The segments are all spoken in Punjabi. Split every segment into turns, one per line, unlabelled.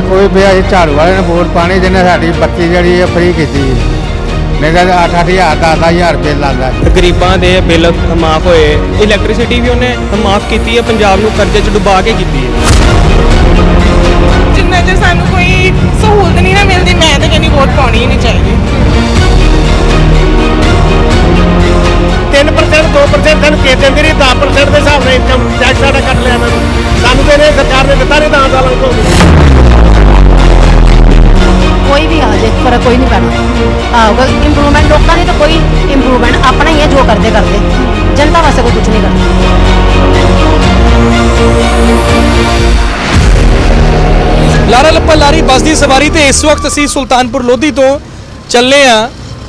ਕੋਈ ਵੀ ਅਸੀਂ ਝਾੜੂ ਵਾਲੇ ਨੇ ਵੋਟ ਪਾਣੀ ਜਿਹਨੇ ਸਾਡੀ ਬੱਤੀ ਜਿਹੜੀ ਫ੍ਰੀ ਕੀਤੀ ਨਹੀਂ ਤਾਂ 8-8 ਹਜ਼ਾਰ 10-10 ਰੁਪਏ ਲਾਉਂਦਾ।
ਗਰੀਬਾਂ ਦੇ ਬਿੱਲ ਮਾਫ ਹੋਏ, ਇਲੈਕਟ੍ਰਿਸਿਟੀ ਵੀ ਉਹਨੇ ਮਾਫ ਕੀਤੀ ਹੈ, ਪੰਜਾਬ ਨੂੰ ਕਰਜ਼ੇ 'ਚ ਡੁਬਾ ਕੇ ਕੀਤੀ ਹੈ।
ਜਿੰਨਾ ਚਿਰ ਸਾਨੂੰ ਕੋਈ ਸਹੂਲਤ ਨਹੀਂ ਨਾ ਮਿਲਦੀ, ਮੈਂ ਤਾਂ ਕਹਿੰਦੀ ਵੋਟ ਪਾਉਣੀ ਹੀ ਨਹੀਂ ਚਾਹੀਦੀ।
3% 2% ਸਾਨੂੰ ਕੇ ਦਿੰਦੀ ਰਹੀ, 10% ਦੇ ਹਿਸਾਬ ਨਾਲ ਇਨਕਮ ਟੈਕਸ ਸਾਡਾ ਕੱਟ ਲਿਆ ਇਹਨਾਂ ਨੇ। ਸਾਨੂੰ ਤੇ ਇਹਨੇ ਸਰਕਾਰ ਨੇ ਦਿੱਤਾ ਨਹੀਂ 10 ਸਾਲਾਂ ਤੋਂ।
कोई भी आ जाए फर्क कोई नहीं पैना। अगर इम्प्रूवमेंट लोगों ने तो कोई इम्प्रूवमेंट अपना ही है, जो करते करते जनता वास्ते कोई कुछ नहीं करता।
ਲਾਰਾ ਲੱਪਾ ਲਾਰੀ ਬੱਸ ਦੀ ਸਵਾਰੀ ਤੇ ਇਸ ਵਕਤ ਅਸੀਂ ਸੁਲਤਾਨਪੁਰ ਲੋਧੀ ਤੋਂ ਚੱਲੇ ਆ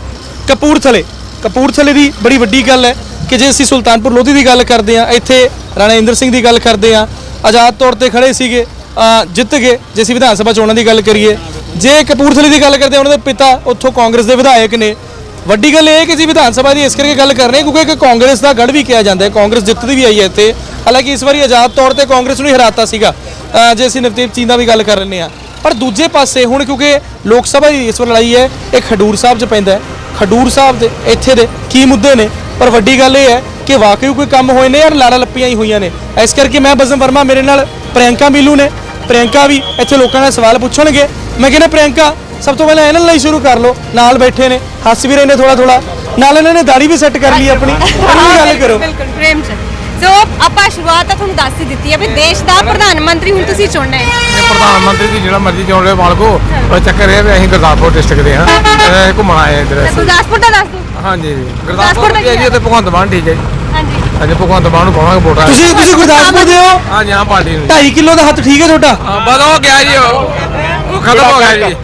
ਕਪੂਰਥਲੇ ਦੀ ਬੜੀ ਵੱਡੀ ਗੱਲ ਹੈ ਕਿ ਜੇ ਅਸੀਂ ਸੁਲਤਾਨਪੁਰ ਲੋਧੀ ਦੀ ਗੱਲ ਕਰਦੇ ਆ, ਇੱਥੇ ਰਾਣਾ ਇੰਦਰ ਸਿੰਘ ਦੀ ਗੱਲ ਕਰਦੇ ਆ, ਆਜ਼ਾਦ ਤੌਰ ਤੇ ਖੜੇ ਸੀਗੇ, ਜਿੱਤ ਗਏ। ਜੇ ਅਸੀਂ ਵਿਧਾਨ ਸਭਾ ਚੋਣਾਂ ਦੀ ਗੱਲ ਕਰੀਏ, ਜੇ ਕਪੂਰਥਲੇ ਦੀ ਗੱਲ ਕਰਦੇ ਆ, ਉਹਨਾਂ ਦੇ ਪਿਤਾ ਉੱਥੋਂ ਕਾਂਗਰਸ ਦੇ ਵਿਧਾਇਕ ਨੇ। ਵੱਡੀ ਗੱਲ ਇਹ ਹੈ ਕਿ ਅਸੀਂ ਵਿਧਾਨ ਸਭਾ ਦੀ ਇਸ ਕਰਕੇ ਗੱਲ ਕਰ ਰਹੇ ਹਾਂ ਕਿਉਂਕਿ ਇੱਕ ਕਾਂਗਰਸ ਦਾ ਗੜ ਵੀ ਕਿਹਾ ਜਾਂਦਾ ਹੈ, ਕਾਂਗਰਸ ਜਿੱਤਦੀ ਵੀ ਆਈ ਹੈ ਇੱਥੇ। ਹਾਲਾਂਕਿ ਇਸ ਵਾਰੀ ਆਜ਼ਾਦ ਤੌਰ ਤੇ ਕਾਂਗਰਸ ਨੂੰ ਹੀ ਹਰਾਤਾ ਸੀਗਾ, ਜੇ ਅਸੀਂ ਨਵਦੀਪ ਚੀਂਦਾ ਵੀ ਗੱਲ ਕਰ ਲੈਂਦੇ ਹਾਂ। ਪਰ ਦੂਜੇ ਪਾਸੇ ਹੁਣ ਕਿਉਂਕਿ ਲੋਕ ਸਭਾ ਦੀ ਇਸ ਵਾਰ ਲੜਾਈ ਹੈ, ਇਹ ਖਡੂਰ ਸਾਹਿਬ 'ਚ ਪੈਂਦਾ ਹੈ। ਖਡੂਰ ਸਾਹਿਬ ਦੇ ਇੱਥੇ ਦੇ ਕੀ ਮੁੱਦੇ ਨੇ, ਪਰ ਵੱਡੀ ਗੱਲ ਇਹ ਹੈ ਕਿ ਵਾਕਈ ਕੋਈ ਕੰਮ ਹੋਏ ਨੇ ਯਾਰ, ਲਾੜਾ ਲੱਪੀਆਂ ਹੀ ਹੋਈਆਂ ਨੇ। ਇਸ ਕਰਕੇ ਮੈਂ ਬਜ਼ਮ ਵਰਮਾ, ਮੇਰੇ ਨਾਲ ਪ੍ਰਿਯੰਕਾ ਮਿਲੂ ਨੇ। ਪ੍ਰਿਯੰਕਾ ਵੀ ਇੱਥੇ ਲੋਕਾਂ ਨਾਲ ਸਵਾਲ ਪੁੱਛਣਗੇ। ਮੈਂ ਕਹਿੰਦਾ ਪ੍ਰਿਯੰਕਾ, ਸਭ ਤੋਂ ਪਹਿਲਾਂ ਇਹਨਾਂ ਲਈ ਸ਼ੁਰੂ ਕਰ ਲਓ, ਨਾਲ ਬੈਠੇ ਨੇ, ਹੱਸ ਵੀ ਰਹੇ ਨੇ ਥੋੜਾ ਨਾਲ, ਇਹਨਾਂ ਨੇ ਦਾੜੀ ਵੀ ਸੈੱਟ ਕਰ ਲਈ ਆਪਣੀ। ਗੱਲ ਕਰੋ।
ਬਿਲਕੁਲ ਪ੍ਰੇਮ ਜੀ। ਸੋ ਆਪਾਂ ਸ਼ੁਰੂਆਤ ਤਾਂ ਤੁਹਾਨੂੰ ਦੱਸ ਹੀ ਦਿੱਤੀ ਹੈ ਵੀ ਦੇਸ਼ ਦਾ ਪ੍ਰਧਾਨ ਮੰਤਰੀ ਹੁਣ ਤੁਸੀਂ ਚੁਣਨਾ ਹੈ।
ਪ੍ਰਧਾਨ ਮੰਤਰੀ ਦੀ ਜਿਹੜਾ ਮਰਜ਼ੀ ਚੁਣ ਰਹੇ ਮਾਲਕੋ, ਉਹ ਚੱਕਰ ਇਹ ਵੀ ਅਸੀਂ ਗੁਰਦਾਸਪੁਰ ਡਿਸਟ੍ਰਿਕਟ ਦੇ ਹਾਂ, ਘੁੰਮਣ ਆਏ ਹਾਂ ਇੱਧਰ।
ਗੁਰਦਾਸਪੁਰ ਦਾ ਦੱਸ ਦਿਓ।
ਹਾਂਜੀ ਗੁਰਦਾਸਪੁਰ ਦੇ ਜੀ, ਤੇ ਭਗਵੰਤ ਮਾਨ ਠੀਕ ਹੈ ਜੀ।
ਹਾਂਜੀ
ਹਾਂਜੀ ਭਗਵੰਤ ਮਾਨ ਨੂੰ ਪਾਵਾਂਗੇ ਵੋਟਾਂ।
ਤੁਸੀਂ ਗੁਰਦਾਸਪੁਰ ਦੇ ਹੋ?
ਹਾਂਜੀ ਹਾਂ, ਪਾਰਟੀ ਨੂੰ
2.5 ਕਿਲੋ ਦਾ ਹੱਥ ਠੀਕ ਹੈ ਤੁਹਾਡਾ?
ਬਸ ਹੋ ਗਿਆ ਜੀ, ਉਹ ਖਤਮ ਹੋ ਗਿਆ ਜੀ।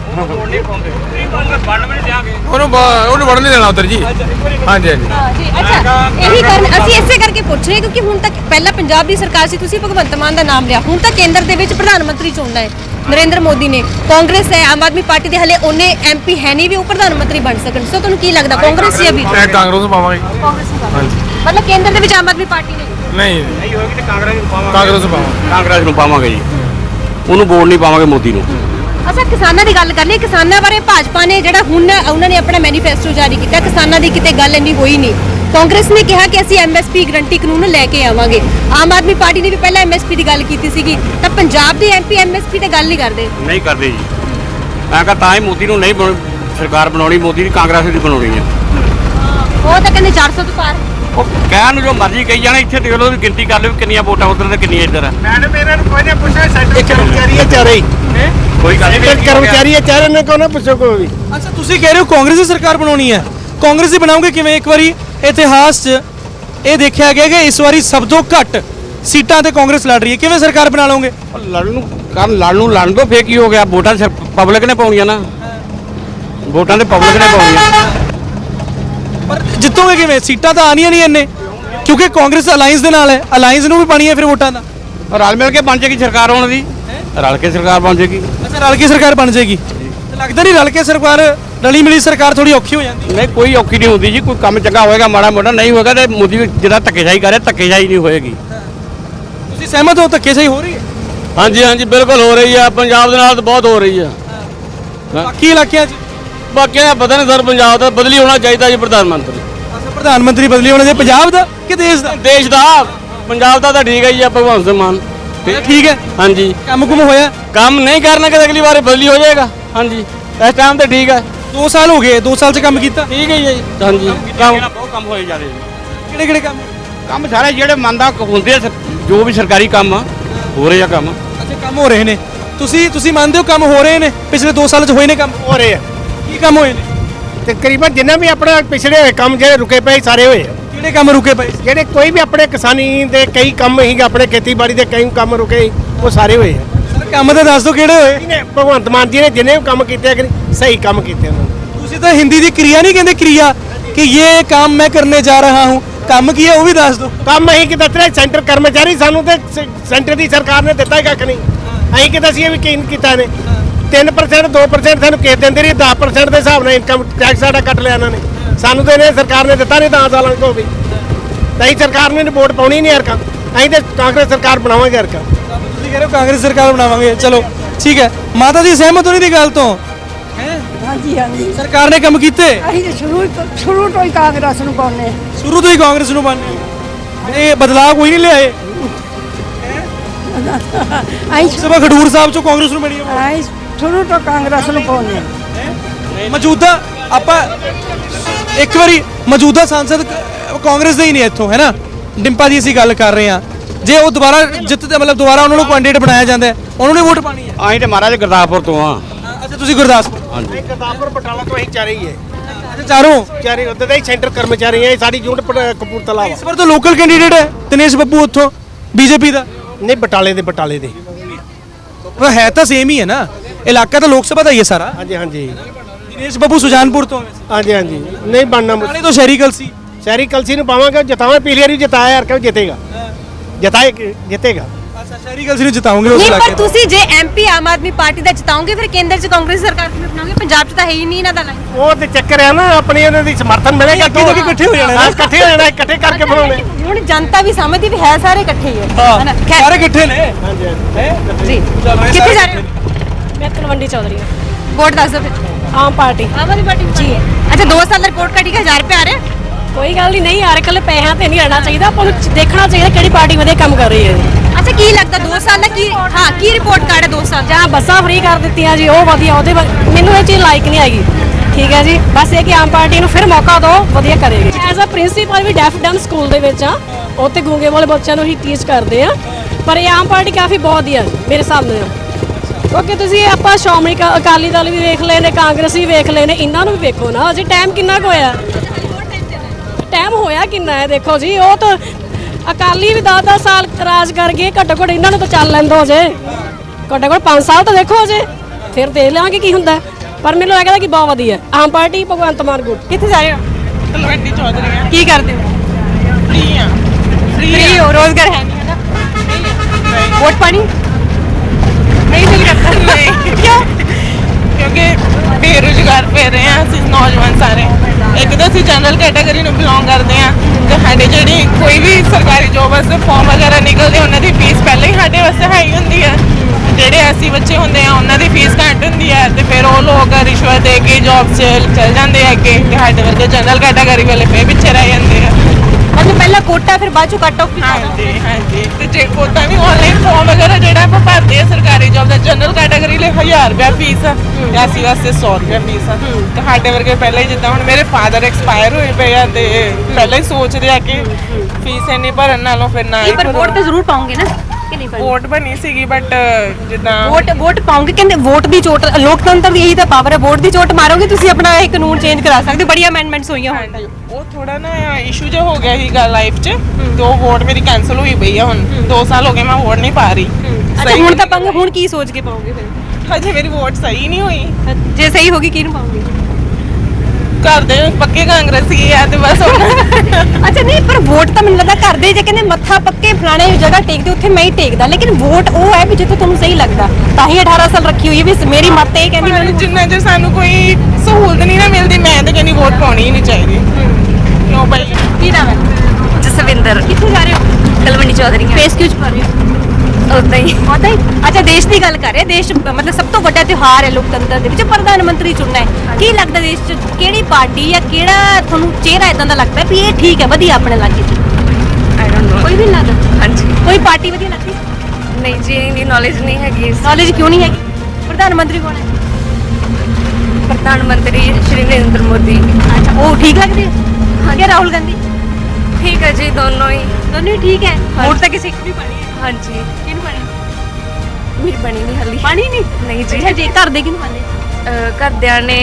ਉਹਨੂੰ ਵੜਨ ਨਹੀਂ ਦੇਣਾ ਉਧਰ ਜੀ। ਹਾਂਜੀ
ਜੀ ਅੱਛਾ, ਇਹੀ ਕਾਰਨ ਅਸੀਂ ਇਸੇ ਕਰਕੇ ਪੁੱਛ ਰਹੇ ਕਿਉਂਕਿ ਹੁਣ ਤੱਕ ਪਹਿਲਾਂ ਪੰਜਾਬ ਦੀ ਸਰਕਾਰ ਸੀ, ਤੁਸੀਂ ਭਗਵੰਤ ਮਾਨ ਦਾ ਨਾਮ ਲਿਆ, ਹੁਣ ਤਾਂ ਕੇਂਦਰ ਦੇ ਵਿੱਚ ਪ੍ਰਧਾਨ ਮੰਤਰੀ ਚੁਣਨਾ ਹੈ ਨਰਿੰਦਰ ਮੋਦੀ ਨੇ। ਕਾਂਗਰਸ ਹੈ, ਆਮ ਆਦਮੀ ਪਾਰਟੀ ਦੇ ਹਲੇ ਉਹਨੇ ਐਮਪੀ ਹੈ ਨਹੀਂ ਵੀ ਉਹ ਪ੍ਰਧਾਨ ਮੰਤਰੀ ਬਣ ਸਕਣ। ਸੋ ਤੁਹਾਨੂੰ ਕੀ ਲੱਗਦਾ, ਕਾਂਗਰਸ ਜਾਂ ਬੀਜੇਪੀ?
ਮੈਂ ਕਾਂਗਰਸ ਨੂੰ ਪਾਵਾਂਗੇ।
ਹਾਂਜੀ, ਮਤਲਬ ਕੇਂਦਰ ਦੇ ਵਿੱਚ ਆਮ ਆਦਮੀ ਪਾਰਟੀ
ਨਹੀਂ ਹੋਏਗੀ ਤੇ ਕਾਂਗਰਸ ਨੂੰ ਪਾਵਾਂਗੇ।
ਕਾਂਗਰਸ ਨੂੰ ਪਾਵਾਂਗੇ ਜੀ, ਉਹਨੂੰ ਵੋਟ ਨਹੀਂ ਪਾਵਾਂਗੇ ਮੋਦੀ ਨੂੰ।
ਅੱਛਾ, ਕਿਸਾਨਾਂ ਦੀ ਗੱਲ ਕਰਨੀ। ਕਿਸਾਨਾਂ ਬਾਰੇ ਭਾਜਪਾ ਨੇ ਜਿਹੜਾ ਹੁਣ ਉਹਨਾਂ ਨੇ ਆਪਣਾ ਮੈਨੀਫੈਸਟੋ ਜਾਰੀ ਕੀਤਾ, ਕਿਸਾਨਾਂ ਦੀ ਕਿਤੇ ਗੱਲ ਇੰਨੀ ਹੋਈ ਨਹੀਂ। ਕਾਂਗਰਸ ਨੇ ਕਿਹਾ ਕਿ ਅਸੀਂ ਐਮਐਸਪੀ ਗਰੰਟੀ ਕਾਨੂੰਨ ਲੈ ਕੇ ਆਵਾਂਗੇ। ਆਮ ਆਦਮੀ ਪਾਰਟੀ ਨੇ ਵੀ ਪਹਿਲਾਂ ਐਮਐਸਪੀ ਦੀ ਗੱਲ ਕੀਤੀ ਸੀਗੀ, ਤਾਂ ਪੰਜਾਬ ਦੇ ਐਮਪੀ ਐਮਐਸਪੀ ਤੇ ਗੱਲ ਨਹੀਂ ਕਰਦੇ।
ਨਹੀਂ ਕਰਦੇ ਜੀ, ਮੈਂ ਕਹਾਂ ਤਾਂ ਹੀ ਮੋਦੀ ਨੂੰ ਨਹੀਂ ਸਰਕਾਰ ਬਣਾਉਣੀ, ਮੋਦੀ ਦੀ ਕਾਂਗਰਸ ਦੀ ਬਣਾਉਣੀ ਹੈ।
ਉਹ ਤਾਂ ਕਹਿੰਦੇ 400 ਤੋਂ ਪਾਰ।
ਉਹ ਕਹਿਣ ਨੂੰ ਜੋ ਮਰਜ਼ੀ ਕਹੀ ਜਾਣਾ, ਇੱਥੇ ਦੇਖ ਲਓ ਗਿਣਤੀ ਕਰ ਲਓ ਕਿੰਨੀਆਂ ਵੋਟਾਂ ਉਧਰ ਤੇ ਕਿੰਨੀਆਂ ਇੱਧਰ ਆ।
ਮੈਡਮ ਇਹਨਾਂ ਨੂੰ ਕੋਈ ਨਾ ਪੁੱਛੋ, ਸੈਂਟਰ ਕਰਮਚਾਰੀ ਹੈ ਚਾਰੇ ਹੀ।
ਕੋਈ ਗੱਲ ਨਹੀਂ,
ਕਰਮਚਾਰੀ ਹੈ ਚਾਰੇ ਨੇ, ਕੋਈ ਨਾ ਪੁੱਛੋ ਕੋਈ ਵੀ।
ਅੱਛਾ, ਤੁਸੀਂ ਕਹਿ ਰਹੇ ਹੋ ਕਾਂਗਰਸ ਦੀ ਸਰਕਾਰ ਬਣਾਉਣੀ ਹੈ, ਕਾਂਗਰਸ ਦੀ ਬਣਾਉਂਗੇ ਕਿਵੇਂ? ਇੱਕ ਵਾਰੀ ਇਤਿਹਾਸ 'ਚ ਇਹ ਦੇਖਿਆ ਗਿਆ ਕਿ ਇਸ ਵਾਰੀ ਸਭ ਤੋਂ ਘੱਟ ਸੀਟਾਂ ਤੇ ਕਾਂਗਰਸ ਲੜ ਰਹੀ ਹੈ, ਕਿਵੇਂ ਸਰਕਾਰ ਬਣਾ ਲਓਗੇ?
ਲੜਨ ਤੋਂ ਫੇਰ ਕੀ ਹੋ ਗਿਆ? ਵੋਟਾਂ ਪਬਲਿਕ ਨੇ ਪਾਉਣੀਆਂ ਨਾ, ਵੋਟਾਂ ਤੇ ਪਬਲਿਕ ਨੇ ਪਾਉਣੀਆਂ।
ਪਰ ਜਿੱਤੋਗੇ ਕਿਵੇਂ? ਸੀਟਾਂ ਤਾਂ ਆਣੀਆਂ ਨਹੀਂ ਇੰਨੇ, ਕਿਉਂਕਿ ਕਾਂਗਰਸ ਅਲਾਈਅੰਸ ਦੇ ਨਾਲ ਹੈ, ਅਲਾਈਅੰਸ ਨੂੰ ਵੀ ਪਾਣੀ ਹੈ ਫਿਰ ਵੋਟਾਂ ਦਾ।
ਰਲ ਮਿਲ ਕੇ ਬਣ ਜਾਏਗੀ ਸਰਕਾਰ ਉਹਨਾਂ ਦੀ, ਰਲ ਕੇ ਸਰਕਾਰ ਬਣ ਜਾਏਗੀ।
ਅੱਛਾ, ਰਲ ਕੇ ਸਰਕਾਰ ਬਣ ਜਾਏਗੀ। ਲੱਗਦਾ ਨਹੀਂ ਰਲ ਕੇ ਸਰਕਾਰ, ਰਲੀ ਮਿਲੀ ਸਰਕਾਰ ਥੋੜੀ ਔਖੀ ਹੋ ਜਾਂਦੀ?
ਨਹੀਂ, ਕੋਈ ਔਖੀ ਨਹੀਂ ਹੁੰਦੀ ਜੀ। ਕੋਈ ਕੰਮ ਚੰਗਾ ਹੋਏਗਾ, ਮਾੜਾ ਮੋਟਾ ਨਹੀਂ ਹੋਏਗਾ ਤੇ ਮੋਦੀ ਜਿਹੜਾ ਧੱਕੇਸ਼ਾਹੀ ਕਰੇ, ਧੱਕੇਸ਼ਾਹੀ ਨਹੀਂ ਹੋਏਗੀ।
ਤੁਸੀਂ ਸਹਿਮਤ ਹੋ ਧੱਕੇਸ਼ਾਹੀ ਹੋ ਰਹੀ ਹੈ?
ਹਾਂਜੀ ਹਾਂਜੀ, ਬਿਲਕੁਲ ਹੋ ਰਹੀ ਹੈ। ਪੰਜਾਬ ਦੇ ਨਾਲ ਤਾਂ ਬਹੁਤ ਹੋ ਰਹੀ ਹੈ।
ਬਾਕੀ ਇਲਾਕਿਆਂ 'ਚ
ਬਾਕੀ ਦਾ ਪਤਾ ਨਹੀਂ ਸਰ, ਪੰਜਾਬ ਦਾ ਬਦਲੀ ਹੋਣਾ ਚਾਹੀਦਾ ਜੀ ਪ੍ਰਧਾਨ ਮੰਤਰੀ।
ਅੱਛਾ, ਪ੍ਰਧਾਨ ਮੰਤਰੀ ਬਦਲੀ ਹੋਣਾ ਚਾਹੀਦਾ। ਪੰਜਾਬ ਦਾ ਕਿ ਦੇਸ਼ ਦਾ?
ਦੇਸ਼ ਦਾ। ਪੰਜਾਬ ਦਾ ਤਾਂ ਠੀਕ ਹੈ ਜੀ, ਭਗਵੰਤ ਮਾਨ
ਠੀਕ ਹੈ।
ਹਾਂਜੀ,
ਕੰਮ ਕੁਮ ਹੋਇਆ?
ਕੰਮ ਨਹੀਂ ਕਰਨਾ ਕਿ ਅਗਲੀ ਵਾਰ ਬਦਲੀ ਹੋ ਜਾਏਗਾ। ਹਾਂਜੀ, ਇਸ ਟਾਈਮ ਤੇ ਠੀਕ ਹੈ।
2 ਸਾਲ ਹੋ ਗਏ, 2 ਸਾਲ 'ਚ ਕੰਮ ਕੀਤਾ?
ਠੀਕ ਹੈ ਜੀ। ਹਾਂਜੀ, ਕੰਮ ਬਹੁਤ ਕੰਮ ਹੋਏ ਜਾ ਰਹੇ ਜੀ।
ਕਿਹੜੇ ਕੰਮ?
ਕੰਮ ਸਾਰੇ ਜਿਹੜੇ ਮੰਨਦਾ ਹੁੰਦੇ ਆ, ਜੋ ਵੀ ਸਰਕਾਰੀ ਕੰਮ ਆ, ਹੋ ਰਹੇ ਆ ਕੰਮ।
ਅੱਛਾ, ਕੰਮ ਹੋ ਰਹੇ ਨੇ। ਤੁਸੀਂ ਮੰਨਦੇ ਹੋ ਕੰਮ ਹੋ ਰਹੇ ਨੇ? ਪਿਛਲੇ 2 ਸਾਲ 'ਚ ਹੋਏ ਨੇ ਕੰਮ?
ਹੋ ਰਹੇ ਆ
ਕੀ ਕੰਮ ਹੋਏ ਨੇ?
ਤਕਰੀਬਨ ਜਿੰਨਾ ਵੀ ਆਪਣਾ ਪਿਛਲੇ ਹੋਏ ਕੰਮ ਜਿਹੜੇ ਰੁਕੇ ਪਏ ਸਾਰੇ ਹੋਏ ਆ।
ਕਿਹੜੇ ਕੰਮ ਰੁਕੇ ਪਏ?
ਜਿਹੜੇ ਕੋਈ ਵੀ ਆਪਣੇ ਕਿਸਾਨੀ ਦੇ ਕਈ ਕੰਮ ਹੀ, ਆਪਣੇ ਖੇਤੀਬਾੜੀ ਦੇ ਕਈ ਕੰਮ ਰੁਕੇ ਸੀ, ਉਹ ਸਾਰੇ ਹੋਏ ਆ।
ਸਰ ਕੰਮ ਤਾਂ ਦੱਸ ਦਿਓ ਕਿਹੜੇ ਹੋਏ?
ਇਹਨੇ ਭਗਵੰਤ ਮਾਨ ਜੀ ਨੇ ਜਿੰਨੇ ਵੀ ਕੰਮ ਕੀਤੇ ਕਿ ਸਹੀ ਕੰਮ ਕੀਤੇ ਉਹਨਾਂ ਨੇ।
ਤੁਸੀਂ ਤਾਂ ਹਿੰਦੀ ਦੀ ਕਿਰਿਆ ਨਹੀਂ ਕਹਿੰਦੇ, ਕਿਰਿਆ ਕਿ ਇਹ ਕੰਮ ਮੈਂ ਕਰਨੇ ਜਾ ਰਹਾ ਹੂੰ, ਕੰਮ ਕੀ ਹੈ ਉਹ ਵੀ ਦੱਸ ਦਿਓ।
ਕੰਮ ਅਸੀਂ ਕਿਦਾਂ ਤੇਰੇ ਸੈਂਟਰ ਕਰਮਚਾਰੀ, ਸਾਨੂੰ ਤੇ ਸੈਂਟਰ ਦੀ ਸਰਕਾਰ ਨੇ ਦਿੱਤਾ ਹੀ ਕੱਖ ਨਹੀਂ। ਅਸੀਂ ਕਿਦਾਂ ਸੀ ਇਹ ਵੀ ਕੀਤਾ ਨੇ। 3% 2% ਸਾਨੂੰ ਕੇ ਦਿੰਦੀ ਰਹੀ, 10% ਦੇ ਹਿਸਾਬ ਨਾਲ ਇਨਕਮ ਟੈਕਸ ਸਾਡਾ ਕੱਟ ਲਿਆ ਇਹਨਾਂ ਨੇ। ਸਾਨੂੰ ਤੇ ਇਹਨੇ ਸਰਕਾਰ ਨੇ ਦਿੱਤਾ ਨਹੀਂ 10 ਸਾਲਾਂ ਤੋਂ ਵੀ। ਤਾਂ ਅਸੀਂ ਸਰਕਾਰ ਨੇ ਵੋਟ ਪਾਉਣੀ ਨਹੀਂ ਯਾਰ। ਅਸੀਂ ਤੇ ਕਾਂਗਰਸ ਸਰਕਾਰ ਬਣਾਵਾਂਗੇ ਯਾਰ।
ਤੁਸੀਂ ਕਹਿ ਰਹੇ ਹੋ ਕਾਂਗਰਸ ਸਰਕਾਰ ਬਣਾਵਾਂਗੇ, ਚਲੋ ਠੀਕ ਹੈ, ਮਾਤਾ ਜੀ ਸਹਿਮਤ ਹੋ ਨਹੀਂ ਦੀ ਗੱਲ ਤੋਂ?
ਹਾਂਜੀ ਹਾਂਜੀ
ਸਰਕਾਰ ਨੇ ਕੰਮ ਕੀਤੇ?
ਅਸੀਂ ਤਾਂ ਸ਼ੁਰੂ ਤੋਂ ਹੀ ਕਾਂਗਰਸ ਨੂੰ ਪਾਉਂਦੇ
ਸ਼ੁਰੂ ਤੋਂ ਹੀ ਕਾਂਗਰਸ ਨੂੰ ਮੰਨਦੇ ਇਹ ਬਦਲਾਅ ਕੋਈ ਨਹੀਂ ਲਿਆਏ?
ਅਸੀਂ
ਸਭਾ ਖਡੂਰ ਸਾਹਿਬ ਚੋਂ ਕਾਂਗਰਸ ਨੂੰ ਮਿਲੀ ਹੈ
ਅਸੀਂ ਸ਼ੁਰੂ ਤੋਂ ਕਾਂਗਰਸ ਨੂੰ ਪਾਉਂਦੇ
ਮੌਜੂਦਾ ਆਪਾਂ ਇੱਕ ਵਾਰੀ ਮੌਜੂਦਾ ਸੰਸਦ ਕਾਂਗਰਸ ਦੇ ਹੀ ਨੇ ਇੱਥੋਂ, ਹੈ ਨਾ? ਡਿੰਪਾ ਦੀ ਅਸੀਂ ਗੱਲ ਕਰ ਰਹੇ ਹਾਂ, ਜੇ ਉਹ ਦੁਬਾਰਾ ਜਿੱਤਦੇ ਮਤਲਬ ਦੁਬਾਰਾ ਉਹਨਾਂ ਨੂੰ ਕੈਂਡੀਡੇਟ ਬਣਾਇਆ ਜਾਂਦਾ ਹੈ, ਉਹਨਾਂ ਨੂੰ ਵੋਟ ਪਾਣੀ ਹੈ?
ਅਸੀਂ ਤੇ ਮਹਾਰਾਜ ਗੁਰਦਾਸਪੁਰ ਤੋਂ ਆ।
ਅੱਛਾ, ਤੁਸੀਂ ਗੁਰਦਾਸਪੁਰ?
ਹਾਂਜੀ,
ਗੁਰਦਾਸਪੁਰ ਬਟਾਲਾ ਤੋਂ ਅਸੀਂ ਚਾਰੇ ਹੀ ਹੈ,
ਅੱਛਾ, ਚਾਰੋਂ?
ਚਾਰੇ ਉੱਧਰ ਦੇ ਹੀ ਸੈਂਟਰ ਕਰਮਚਾਰੀ ਹੈ, ਸਾਡੀ ਯੂਨਿਟ ਕਪੂਰਥਲਾ ਵਾ।
ਇਸ ਵਾਰ ਤਾਂ ਲੋਕਲ ਕੈਂਡੀਡੇਟ ਹੈ ਦਿਨੇਸ਼ ਬੱਬੂ ਉੱਥੋਂ ਬੀਜੇਪੀ ਦਾ।
ਨਹੀਂ ਬਟਾਲੇ ਦੇ
ਪਰ ਹੈ ਤਾਂ ਸੇਮ ਹੀ ਹੈ ਨਾ, ਇਲਾਕਾ ਤਾਂ ਲੋਕ ਸਭਾ ਦਾ ਹੀ ਹੈ ਸਾਰਾ।
ਹਾਂਜੀ ਹਾਂਜੀ
ਦਿਨੇਸ਼ ਬੱਬੂ ਸੁਜਾਨਪੁਰ ਤੋਂ ਹੈ,
ਹਾਂਜੀ ਹਾਂਜੀ ਨਹੀਂ ਬਣਨਾ
ਨਾਲੇ ਤੋਂ ਸ਼ਹਿਰੀ ਕਲਸੀ।
ਸ਼ਹਿਰੀ ਕਲਸੀ ਨੂੰ ਪਾਵਾਂਗੇ, ਜਿਤਾਵਾਂ ਪਿਛਲੀ ਵਾਰੀ ਜਿਤਾਇਆ ਯਾਰ ਕਿਉਂ ਜਿੱਤੇਗਾ, ਜਿੱਤੇਗਾ।
ਅੱਛਾ, ਸ਼ਹਿਰੀ ਕਲਸੀ ਨੂੰ ਜਿਤਾਉਂਗੇ ਉਸ
ਨਹੀਂ
ਇਲਾਕੇ
ਪਰ
ਤੋਂ।
ਤੁਸੀਂ ਜੇ ਐਮਪੀ ਆਮ ਆਦਮੀ ਪਾਰਟੀ ਦਾ ਜਿਤਾਓਗੇ ਫਿਰ ਕੇਂਦਰ 'ਚ ਕਾਂਗਰਸ ਸਰਕਾਰ ਕਿਵੇਂ ਬਣਾਓਗੇ? ਪੰਜਾਬ 'ਚ ਤਾਂ ਹੈ ਹੀ ਨਹੀਂ ਇਹਨਾਂ ਦਾ ਲਾਈਨ।
ਉਹ ਤੇ ਚੱਕਰ ਹੈ ਨਾ, ਆਪਣੀ ਉਹਨਾਂ ਦੀ ਸਮਰਥਨ ਮਿਲੇਗਾ
ਅੱਗੇ ਤੋਂ ਅੱਗੇ ਇਕੱਠੇ ਹੋ ਜਾਣਾ ਨਾ।
ਇਕੱਠੇ ਹੋ ਜਾਣਾ, ਇਕੱਠੇ ਕਰਕੇ ਬਣਾਉਣੇ।
ਹੁਣ ਜਨਤਾ ਵੀ ਸਮਝਦੀ ਵੀ ਹੈ ਸਾਰੇ ਇਕੱਠੇ ਹੀ ਹੈ
ਹਾਂ,
ਹਨਾ?
ਸਾਰੇ ਇਕੱਠੇ ਨੇ।
ਹਾਂਜੀ ਹਾਂਜੀ
ਜੀ
ਚਲੋ, ਇਹ
ਕਿੱਥੇ
ਸਾਰੇ
ਜਾ ਰਹੇ ਹੋ?
ਮੈਂ ਤਲਵੰਡੀ ਚੌਧਰੀ
ਵੋਟ ਦੱਸ ਦਿਓ ਫਿਰ।
ਆਮ ਪਾਰਟੀ।
ਆਮ ਆਦਮੀ ਪਾਰਟੀ ਜੀ। ਅੱਛਾ 2 ਸਾਲ ਦਾ ਰਿਪੋਰਟ ਕੱਢੀ 1000 ਰੁਪਏ ਆ ਰਿਹਾ?
ਕੋਈ ਗੱਲ ਨਹੀਂ ਯਾਰ, ਇਕੱਲੇ ਪੈਸਿਆਂ ਤੇ ਨਹੀਂ ਰਹਿਣਾ ਚਾਹੀਦਾ, ਆਪਾਂ ਨੂੰ ਦੇਖਣਾ ਚਾਹੀਦਾ ਕਿਹੜੀ ਪਾਰਟੀ ਵਧੀਆ ਕੰਮ ਕਰ ਰਹੀ ਹੈ।
ਅੱਛਾ ਕੀ ਲੱਗਦਾ 2 ਸਾਲ ਦਾ ਕੀ ਕੀ ਰਿਪੋਰਟ ਕਾਰਡ ਹੈ 2 ਸਾਲ
ਜਾਂ ਬੱਸਾਂ ਫ੍ਰੀ ਕਰ ਦਿੱਤੀਆਂ ਜੀ, ਉਹ ਵਧੀਆ, ਉਹਦੇ ਮੈਨੂੰ ਇਹ ਚੀਜ਼ ਲਾਈਕ ਨਹੀਂ ਹੈਗੀ। ਠੀਕ ਹੈ ਜੀ, ਬਸ ਇਹ ਕਿ ਆਮ ਪਾਰਟੀ ਨੂੰ ਫਿਰ ਮੌਕਾ ਦਿਓ, ਵਧੀਆ ਕਰੇਗੀ। ਐਜ਼ ਅ ਪ੍ਰਿੰਸੀਪਲ ਵੀ ਡੈਫ ਡਮ ਸਕੂਲ ਦੇ ਵਿੱਚ ਆ, ਉੱਥੇ ਗੂੰਗੇ ਵਾਲੇ ਬੱਚਿਆਂ ਨੂੰ ਹੀ ਟੀਚ ਕਰਦੇ ਆ, ਪਰ ਇਹ ਆਮ ਪਾਰਟੀ ਕਾਫੀ ਬਹੁਤ ਵਧੀਆ ਮੇਰੇ ਹਿਸਾਬ ਨਾਲ। ਕਿਉਂਕਿ ਤੁਸੀਂ ਆਪਾਂ ਸ਼੍ਰੋਮਣੀ ਅਕਾਲੀ ਦਲ ਵੀ ਵੇਖ ਲਏ ਨੇ, ਕਾਂਗਰਸ ਵੀ ਵੇਖ ਲਏ ਨੇ, ਇਹਨਾਂ ਨੂੰ ਵੀ ਵੇਖੋ ਨਾ, ਅਜੇ ਟਾਈਮ ਕਿੰਨਾ ਕੁ ਹੋਇਆ, ਟਾਈਮ ਹੋਇਆ ਕਿੰਨਾ ਹੈ ਦੇਖੋ ਜੀ। ਉਹ ਤਾਂ ਅਕਾਲੀ ਵੀ 10-10 ਸਾਲ ਰਾਜ ਕਰ ਗਏ, ਘੱਟੋ ਘੱਟ ਇਹਨਾਂ ਨੂੰ ਤਾਂ ਚੱਲ ਲੈਂਦਾ ਜੇ, ਘੱਟੋ ਘੱਟ 5 ਸਾਲ ਤਾਂ ਦੇਖੋ ਜੇ, ਫਿਰ ਦੇਖ ਲਾਂਗੇ ਕੀ ਹੁੰਦਾ। ਪਰ ਮੈਨੂੰ ਲੱਗਦਾ ਕਿ ਬਹੁਤ ਵਧੀਆ ਆਮ ਪਾਰਟੀ, ਭਗਵੰਤ ਮਾਨ ਗੁੱਟ।
ਕਿੱਥੇ ਜਾ ਰਹੇ ਹੋ?
ਤਲਵੰਡੀ ਚੌਧਰੀ ਆ
ਕੀ ਕਰਦੇ ਹੋ?
ਫ੍ਰੀ ਆ
ਫ੍ਰੀ ਹੋ, ਰੋਜ਼ਗਾਰ ਹੈ ਨਹੀਂ ਹੈ ਨਾ? ਵੋਟ ਪਾਣੀ
ਨਹੀਂ ਦਿਲ ਕਰਦਾ ਨਹੀਂ
ਕਿਉਂ?
ਕਿਉਂਕਿ ਬੇਰੁਜ਼ਗਾਰ ਪੈ ਰਹੇ ਆ ਅਸੀਂ ਨੌਜਵਾਨ ਸਾਰੇ। ਇੱਕ ਤਾਂ ਅਸੀਂ ਜਨਰਲ ਕੈਟਾਗਰੀ ਨੂੰ ਬਿਲੋਂਗ ਕਰਦੇ ਆ, ਤੇ ਸਾਡੇ ਜਿਹੜੀ ਕੋਈ ਵੀ ਸਰਕਾਰੀ ਜੋਬ ਵਾਸਤੇ ਫਾਰਮ ਵਗੈਰਾ ਨਿਕਲਦੇ ਉਹਨਾਂ ਦੀ ਫੀਸ ਪਹਿਲਾਂ ਹੀ ਸਾਡੇ ਵਾਸਤੇ ਹਾਈ ਹੁੰਦੀ ਆ। ਜਿਹੜੇ ਐਸੀ ਬੱਚੇ ਹੁੰਦੇ ਆ ਉਹਨਾਂ ਦੀ ਫੀਸ ਘੱਟ ਹੁੰਦੀ ਆ, ਤੇ ਫਿਰ ਉਹ ਲੋਕ ਰਿਸ਼ਵਤ ਦੇ ਕੇ ਜੌਬ 'ਚ ਚਲ ਜਾਂਦੇ ਆ ਅੱਗੇ, ਤੇ ਸਾਡੇ ਵਰਗੇ ਜਨਰਲ ਕੈਟਾਗਰੀ ਵਾਲੇ ਫਿਰ ਪਿੱਛੇ ਰਹਿ ਜਾਂਦੇ ਆ।
ਮਤਲਬ ਪਹਿਲਾਂ ਕੋਟਾ ਫਿਰ ਬਾਅਦ ਚੋਂ ਕੱਟ ਆਫ
ਹਾਂਜੀ ਹਾਂਜੀ, ਤੇ ਜੇ ਕੋਤਾ ਵੀ ਆਨਲਾਈਨ ਫਾਰਮ ਵਗੈਰਾ ਜਿਹੜਾ ਆਪਾਂ ਭਰਦੇ ਆ ਸਰਕਾਰੀ ਜੌਬ ਦਾ, ਜਨਰਲ ਕੈਟਾਗਰੀ ਲਈ 1000 ਰੁਪਇਆ ਫੀਸ ਆ, ਤੇ ਅਸੀਂ ਵਾਸਤੇ 100 ਰੁਪਇਆ ਫੀਸ ਆ। ਤੇ ਸਾਡੇ ਵਰਗੇ ਪਹਿਲਾਂ ਹੀ, ਜਿੱਦਾਂ ਹੁਣ ਮੇਰੇ ਫਾਦਰ ਐਕਸਪਾਇਰ ਹੋਏ ਪਏ ਆ, ਤੇ ਪਹਿਲਾਂ ਹੀ ਸੋਚਦੇ ਆ ਕਿ ਫੀਸ ਇੰਨੀ ਭਰਨ ਨਾਲੋਂ ਫਿਰ ਨਾ ਹੀ
ਪਰ ਵੋਟ ਤਾਂ ਜ਼ਰੂਰ ਪਾਉਂਗੇ ਨਾ ਕਿ ਨਹੀਂ ਪਾਉਂਗੇ?
ਵੋਟ ਬਣੀ ਸੀਗੀ ਬਟ ਜਿੱਦਾਂ
ਵੋਟ ਪਾਉਂਗੇ, ਕਹਿੰਦੇ ਵੋਟ ਦੀ ਚੋਟ, ਲੋਕਤੰਤਰ ਦੀ ਇਹੀ ਤਾਂ ਪਾਵਰ ਹੈ, ਵੋਟ ਦੀ ਚੋਟ ਮਾਰੋਗੇ ਤੁਸੀਂ ਆਪਣਾ ਇਹ ਕਾਨੂੰਨ ਚੇਂਜ ਕਰਾ ਸਕਦੇ ਹੋ। ਬੜੀਆਂ ਅਮੈਂਡਮੈਂਟਸ ਹੋਈਆਂ ਹੁਣ।
ਉਹ ਥੋੜਾ ਨਾ ਇਸ਼ੂ ਜਿਹਾ ਹੋ ਗਿਆ ਸੀਗਾ ਲਾਈਫ 'ਚ, ਤੇ ਉਹ ਵੋਟ ਮੇਰੀ ਕੈਨਸਲ ਹੋਈ ਪਈ ਆ ਹੁਣ 2 ਸਾਲ ਹੋ ਗਏ ਮੈਂ ਵੋਟ ਨਹੀਂ ਪਾ ਰਹੀ।
ਅੱਛਾ ਹੁਣ ਤਾਂ ਪਾਉਂਗੇ, ਹੁਣ ਕੀ ਸੋਚ ਕੇ ਪਾਉਂਗੇ ਫਿਰ?
ਹਜੇ ਮੇਰੀ ਵੋਟ ਸਹੀ ਨਹੀਂ ਹੋਈ।
ਜੇ ਸਹੀ ਹੋਗੀ ਕਿਹਨੂੰ ਪਾਉਂਗੇ?
ਘਰ ਦੇ ਪੱਕੇ ਕਾਂਗਰਸੀ ਆ ਤੇ ਬਸ ਹੁਣ
ਅੱਛਾ ਨਹੀਂ, ਪਰ ਵੋਟ ਤਾਂ ਮੈਨੂੰ ਲੱਗਦਾ ਕਰਦੇ ਜੇ ਕਹਿੰਦੇ ਮੱਥਾ ਪੱਕੇ ਫਲਾਣੇ ਜਗ੍ਹਾ ਟੇਕਦੇ ਉੱਥੇ ਮੈਂ ਹੀ ਟੇਕਦਾ, ਲੇਕਿਨ ਵੋਟ ਉਹ ਹੈ ਵੀ ਜਿੱਥੇ ਤੁਹਾਨੂੰ ਸਹੀ ਲੱਗਦਾ। ਤਾਂ ਹੀ 18 ਸਾਲ ਰੱਖੀ ਹੋਈ ਹੈ ਵੀ ਮੇਰੀ ਮੱਤ ਇਹ ਕਹਿੰਦੀ ਮੈਨੂੰ
ਜਿੰਨਾ ਜੇ ਸਾਨੂੰ ਕੋਈ ਸਹੂਲਤ ਨਹੀਂ ਨਾ ਮਿਲਦੀ, ਮੈਂ ਤਾਂ ਕਹਿੰਦੀ ਵੋਟ ਪਾਉਣੀ ਹੀ ਨਹੀਂ ਚਾਹੀਦੀ। ਕਿਉਂ ਭਾਈ?
ਕੀ ਨਾਮ ਹੈ?
ਜਸਵਿੰਦਰ।
ਕਿੱਥੇ ਜਾ ਰਹੇ ਹੋ?
ਤਲਵੰਡੀ ਚੌਧਰੀ।
ਫੇਸ ਕਿਉਂ ਛੁਪਾ ਰਹੇ ਹੋ?
ਉਦਾਂ ਹੀ।
ਪਤਾ ਹੀ। ਅੱਛਾ ਦੇਸ਼ ਦੀ ਗੱਲ ਕਰ ਰਹੇ, ਦੇਸ਼ ਮਤਲਬ ਸਭ ਤੋਂ ਵੱਡਾ ਤਿਉਹਾਰ ਹੈ ਲੋਕਤੰਤਰ ਦੇ ਵਿੱਚ, ਪ੍ਰਧਾਨ ਮੰਤਰੀ ਚੁਣਨਾ ਹੈ। ਕੀ ਲੱਗਦਾ ਦੇਸ਼ 'ਚ ਕਿਹੜੀ ਪਾਰਟੀ ਜਾਂ ਕਿਹੜਾ ਤੁਹਾਨੂੰ ਚਿਹਰਾ ਇਦਾਂ ਦਾ ਲੱਗਦਾ ਵੀ ਇਹ ਠੀਕ ਹੈ, ਵਧੀਆ ਆਪਣੇ ਇਲਾਕੇ 'ਚ?
I don't know.
ਕੋਈ ਵੀ ਨਹੀਂ ਲੱਗਦਾ?
ਹਾਂਜੀ।
ਕੋਈ ਪਾਰਟੀ ਵਧੀਆ ਲੱਗਦੀ?
ਨਹੀਂ ਜੀ, ਇਹਦੀ ਨੌਲੇਜ ਨਹੀਂ ਹੈਗੀ।
ਨੌਲੇਜ ਕਿਉਂ ਨਹੀਂ ਹੈਗੀ? ਪ੍ਰਧਾਨ ਮੰਤਰੀ ਕੌਣ ਹੈ?
ਪ੍ਰਧਾਨ ਮੰਤਰੀ ਸ਼੍ਰੀ ਨਰਿੰਦਰ ਮੋਦੀ।
ਅੱਛਾ ਉਹ ਠੀਕ ਲੱਗਦੀ ਹੈ? ਜਾਂ ਰਾਹੁਲ ਗਾਂਧੀ?
ਠੀਕ ਹੈ ਜੀ, ਦੋਨੋਂ ਹੀ।
ਦੋਨੋਂ ਹੀ ਠੀਕ ਹੈ। ਵੋਟ ਤਾਂ ਕਿਸੇ ਇੱਕ ਵੀ ਪਾਣੀ ਹੈ।
ਹਾਂਜੀ।
ਕਿਹਨੂੰ ਪਾਣੀ?
ਮੇਰੀ ਬਣੀ ਨਹੀਂ ਹਾਲੀ।
ਪਾਣੀ ਨਹੀਂ?
ਨਹੀਂ ਜੀ।
ਅੱਛਾ ਜੀ, ਘਰ ਦੇ ਕਿਹਨੂੰ ਪਾਣੀ?
ਘਰਦਿਆਂ ਨੇ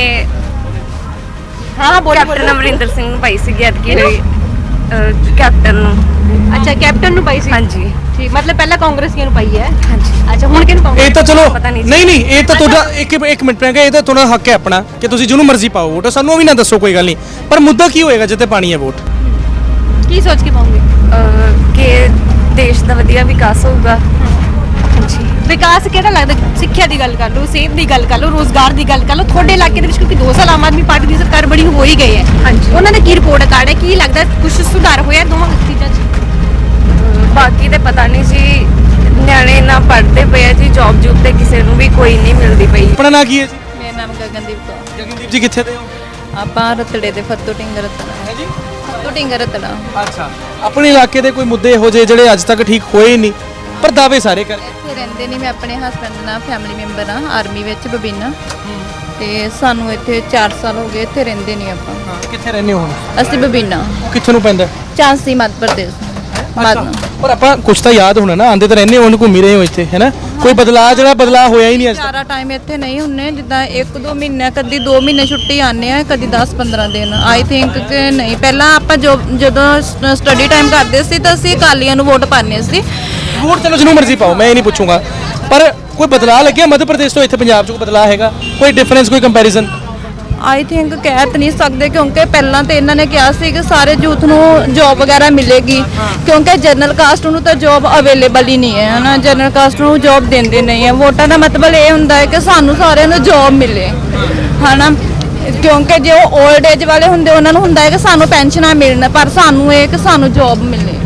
ਹਾਂ ਬੋਲੋ
ਕੈਪਟਨ ਅਮਰਿੰਦਰ ਸਿੰਘ ਨੂੰ ਪਾਈ ਸੀ ਐਤਕੀ ਹੋਈ, ਕੈਪਟਨ ਨੂੰ।
ਅੱਛਾ ਕੈਪਟਨ ਨੂੰ ਪਾਈ ਸੀ?
ਹਾਂਜੀ।
ਠੀਕ, ਮਤਲਬ ਪਹਿਲਾਂ ਕਾਂਗਰਸੀਆਂ ਨੂੰ ਪਾਈ ਹੈ।
ਹਾਂਜੀ।
ਅੱਛਾ ਹੁਣ ਕਿਹਨੂੰ ਪਾਉਂਗੇ?
ਇਹ ਤਾਂ ਚਲੋ
ਪਤਾ ਨਹੀਂ ਜੀ।
ਨਹੀਂ ਇਹ ਤਾਂ ਤੁਹਾਡਾ ਇੱਕ ਮਿੰਟ ਪੈਂਗਾ, ਇਹ ਤਾਂ ਤੁਹਾਡਾ ਹੱਕ ਹੈ ਆਪਣਾ ਕਿ ਤੁਸੀਂ ਜਿਹਨੂੰ ਮਰਜ਼ੀ ਪਾਓ ਵੋਟ, ਸਾਨੂੰ ਉਹ ਵੀ ਨਾ ਦੱਸੋ, ਕੋਈ ਗੱਲ ਨਹੀਂ। ਪਰ ਮੁੱਦਾ ਕੀ ਹੋਏਗਾ ਜਿੱਤੇ ਪਾਣੀ ਹੈ ਵੋਟ?
ਕੀ ਸੋਚ ਕੇ ਪਾਉਂਗੇ?
ਕਿ ਦੇਸ਼ ਦਾ ਵਧੀਆ ਵਿਕਾਸ ਹੋਊਗਾ। ਹਾਂਜੀ।
ਵਿਕਾਸ ਕਿਹੜਾ ਲੱਗਦਾ? ਸਿੱਖਿਆ ਦੀ ਗੱਲ ਕਰ ਲਓ, ਸਿਹਤ ਦੀ ਗੱਲ ਕਰ ਲਓ, ਰੋਜ਼ਗਾਰ ਦੀ ਗੱਲ ਕਰ ਲਓ। ਤੁਹਾਡੇ ਇਲਾਕੇ ਦੇ ਵਿੱਚ ਕਿਉਂਕਿ 2 ਸਾਲ ਆਮ ਆਦਮੀ ਪਾਰਟੀ ਦੀ ਸਰਕਾਰ ਬੜੀ ਹੋ ਹੀ ਗਈ ਹੈ।
ਹਾਂਜੀ।
ਉਹਨਾਂ ਦਾ ਕੀ ਰਿਪੋਰਟ ਕਾਰਡ ਹੈ? ਕੀ ਲੱਗਦਾ ਕੁਝ ਸੁਧਾਰ ਹੋਇਆ ਦੋਵਾਂ ਚੀਜ਼ਾਂ 'ਚ?
ਬਾਕੀ ਤੇ ਪਤਾ ਨਹੀਂ ਜੀ,
ਨਿਆਣੇ ਨਾ ਪੜ੍ਹਦੇ ਪਏ ਆ ਜੀ, ਜੌਬ ਜੂਬ ਤੇ ਕਿਸੇ ਨੂੰ ਵੀ ਕੋਈ ਨਹੀਂ ਮਿਲਦੀ ਪਈ।
ਆਪਣਾ ਨਾਂ ਕੀ ਹੈ ਜੀ?
ਮੇਰਾ ਨਾਮ ਗਗਨਦੀਪ ਕੌਰ।
ਜਗਨਦੀਪ ਜੀ ਕਿੱਥੇ ਦੇ ਹੋ?
ਆਪਾਂ ਰਤੜੇ ਦੇ ਫੱਤੂ ਢਿੰਗਰ ਰਤੜਾ।
ਹੈ ਜੀ।
ਫੱਤੂ ਢਿੰਗਰ ਰਤੜਾ।
ਅੱਛਾ, ਆਪਣੇ ਇਲਾਕੇ ਦੇ ਕੋਈ ਮੁੱਦੇ ਇਹੋ ਜਿਹੇ ਜਿਹੜੇ ਅੱਜ ਤੱਕ ਠੀਕ ਹੋਏ ਹੀ ਨਹੀਂ, ਪਰ ਦਾਅਵੇ ਸਾਰੇ ਕਰ
ਇੱਥੇ ਰਹਿੰਦੇ ਨਹੀਂ, ਮੈਂ ਆਪਣੇ ਹਸਬੰਡ ਨਾਲ ਫੈਮਿਲੀ ਮੈਂਬਰ ਆ ਆਰਮੀ ਵਿੱਚ ਬਬੀਨਾ, ਤੇ ਸਾਨੂੰ ਇੱਥੇ 4 ਸਾਲ ਹੋ ਗਏ, ਇੱਥੇ ਰਹਿੰਦੇ ਨਹੀਂ ਆਪਾਂ।
ਕਿੱਥੇ ਰਹਿੰਦੇ ਹੋ ਹੁਣ?
ਅਸੀਂ ਬਬੀਨਾ,
ਕਿੱਥੇ ਨੂੰ ਪੈਂਦਾ?
ਝਾਂਸੀ ਮੱਧ ਪ੍ਰਦੇਸ਼।
ਪਰ ਆਪਾਂ ਕੁਝ ਤਾਂ ਯਾਦ ਹੋਣਾ ਨਾ, ਆਂਦੇ ਤਾਂ ਰਹਿੰਦੇ ਹੋ, ਘੁੰਮੀ ਰਹੇ ਹੋ ਇੱਥੇ, ਹੈ ਨਾ? ਕੋਈ ਬਦਲਾਅ ਜਿਹੜਾ ਬਦਲਾਅ ਹੋਇਆ ਹੀ ਨਹੀਂ ਅੱਜ ਤੱਕ।
ਸਾਰਾ ਟਾਈਮ ਇੱਥੇ ਨਹੀਂ ਹੁੰਨੇ, ਜਿੱਦਾਂ 1-2 ਮਹੀਨੇ, ਕਦੀ 2 ਮਹੀਨੇ ਛੁੱਟੀ ਆਉਂਦੇ ਆ, ਕਦੀ 10-15 ਦਿਨ। ਆਈ ਥਿੰਕ ਕਿ ਨਹੀਂ, ਪਹਿਲਾਂ ਆਪਾਂ ਜਦੋਂ ਸਟੱਡੀ ਟਾਈਮ ਕਰਦੇ ਸੀ ਤਾਂ ਅਸੀਂ ਅਕਾਲੀਆਂ ਨੂੰ ਵੋਟ ਪਾਉਂਦੇ ਸੀ।
ਵੋਟ ਚਲੋ ਜਿਹਨੂੰ ਮਰਜ਼ੀ ਪਾਓ, ਮੈਂ ਇਹ ਨਹੀਂ ਪੁੱਛੂੰਗਾ, ਪਰ ਕੋਈ ਬਦਲਾਅ ਲੱਗਿਆ ਮੱਧ ਪ੍ਰਦੇਸ਼ ਤੋਂ ਇੱਥੇ ਪੰਜਾਬ 'ਚ ਕੋਈ ਬਦਲਾਅ ਹੈਗਾ? ਕੋਈ ਡਿਫਰੈਂਸ, ਕੋਈ ਕੰਪੈਰੀਜ਼ਨ?
ਆਈ ਥਿੰਕ ਕਹਿ ਤਾਂ ਨਹੀਂ ਸਕਦੇ, ਕਿਉਂਕਿ ਪਹਿਲਾਂ ਤੇ ਇਹਨਾਂ ਨੇ ਕਿਹਾ ਸੀ ਕਿ ਸਾਰੇ ਯੂਥ ਨੂੰ ਜੌਬ ਵਗੈਰਾ ਮਿਲੇਗੀ, ਕਿਉਂਕਿ ਜਨਰਲ ਕਾਸਟ ਨੂੰ ਤਾਂ ਜੌਬ ਅਵੇਲੇਬਲ ਹੀ ਨਹੀਂ ਹੈ ਨਾ, ਜਨਰਲ ਕਾਸਟ ਨੂੰ ਜੌਬ ਦਿੰਦੇ ਨਹੀਂ ਹੈ। ਵੋਟਾਂ ਦਾ ਮਤਲਬ ਇਹ ਹੁੰਦਾ ਹੈ ਕਿ ਸਾਨੂੰ ਸਾਰਿਆਂ ਨੂੰ ਜੌਬ ਮਿਲੇ, ਹਨਾ, ਕਿਉਂਕਿ ਜੇ ਉਹ 올ਡ ਏਜ ਵਾਲੇ ਹੁੰਦੇ ਉਹਨਾਂ ਨੂੰ ਹੁੰਦਾ ਹੈ ਕਿ ਸਾਨੂੰ ਪੈਨਸ਼ਨਾਂ ਮਿਲਣ, ਪਰ ਸਾਨੂੰ ਇਹ ਕਿ ਸਾਨੂੰ ਜੌਬ ਮਿਲੇ,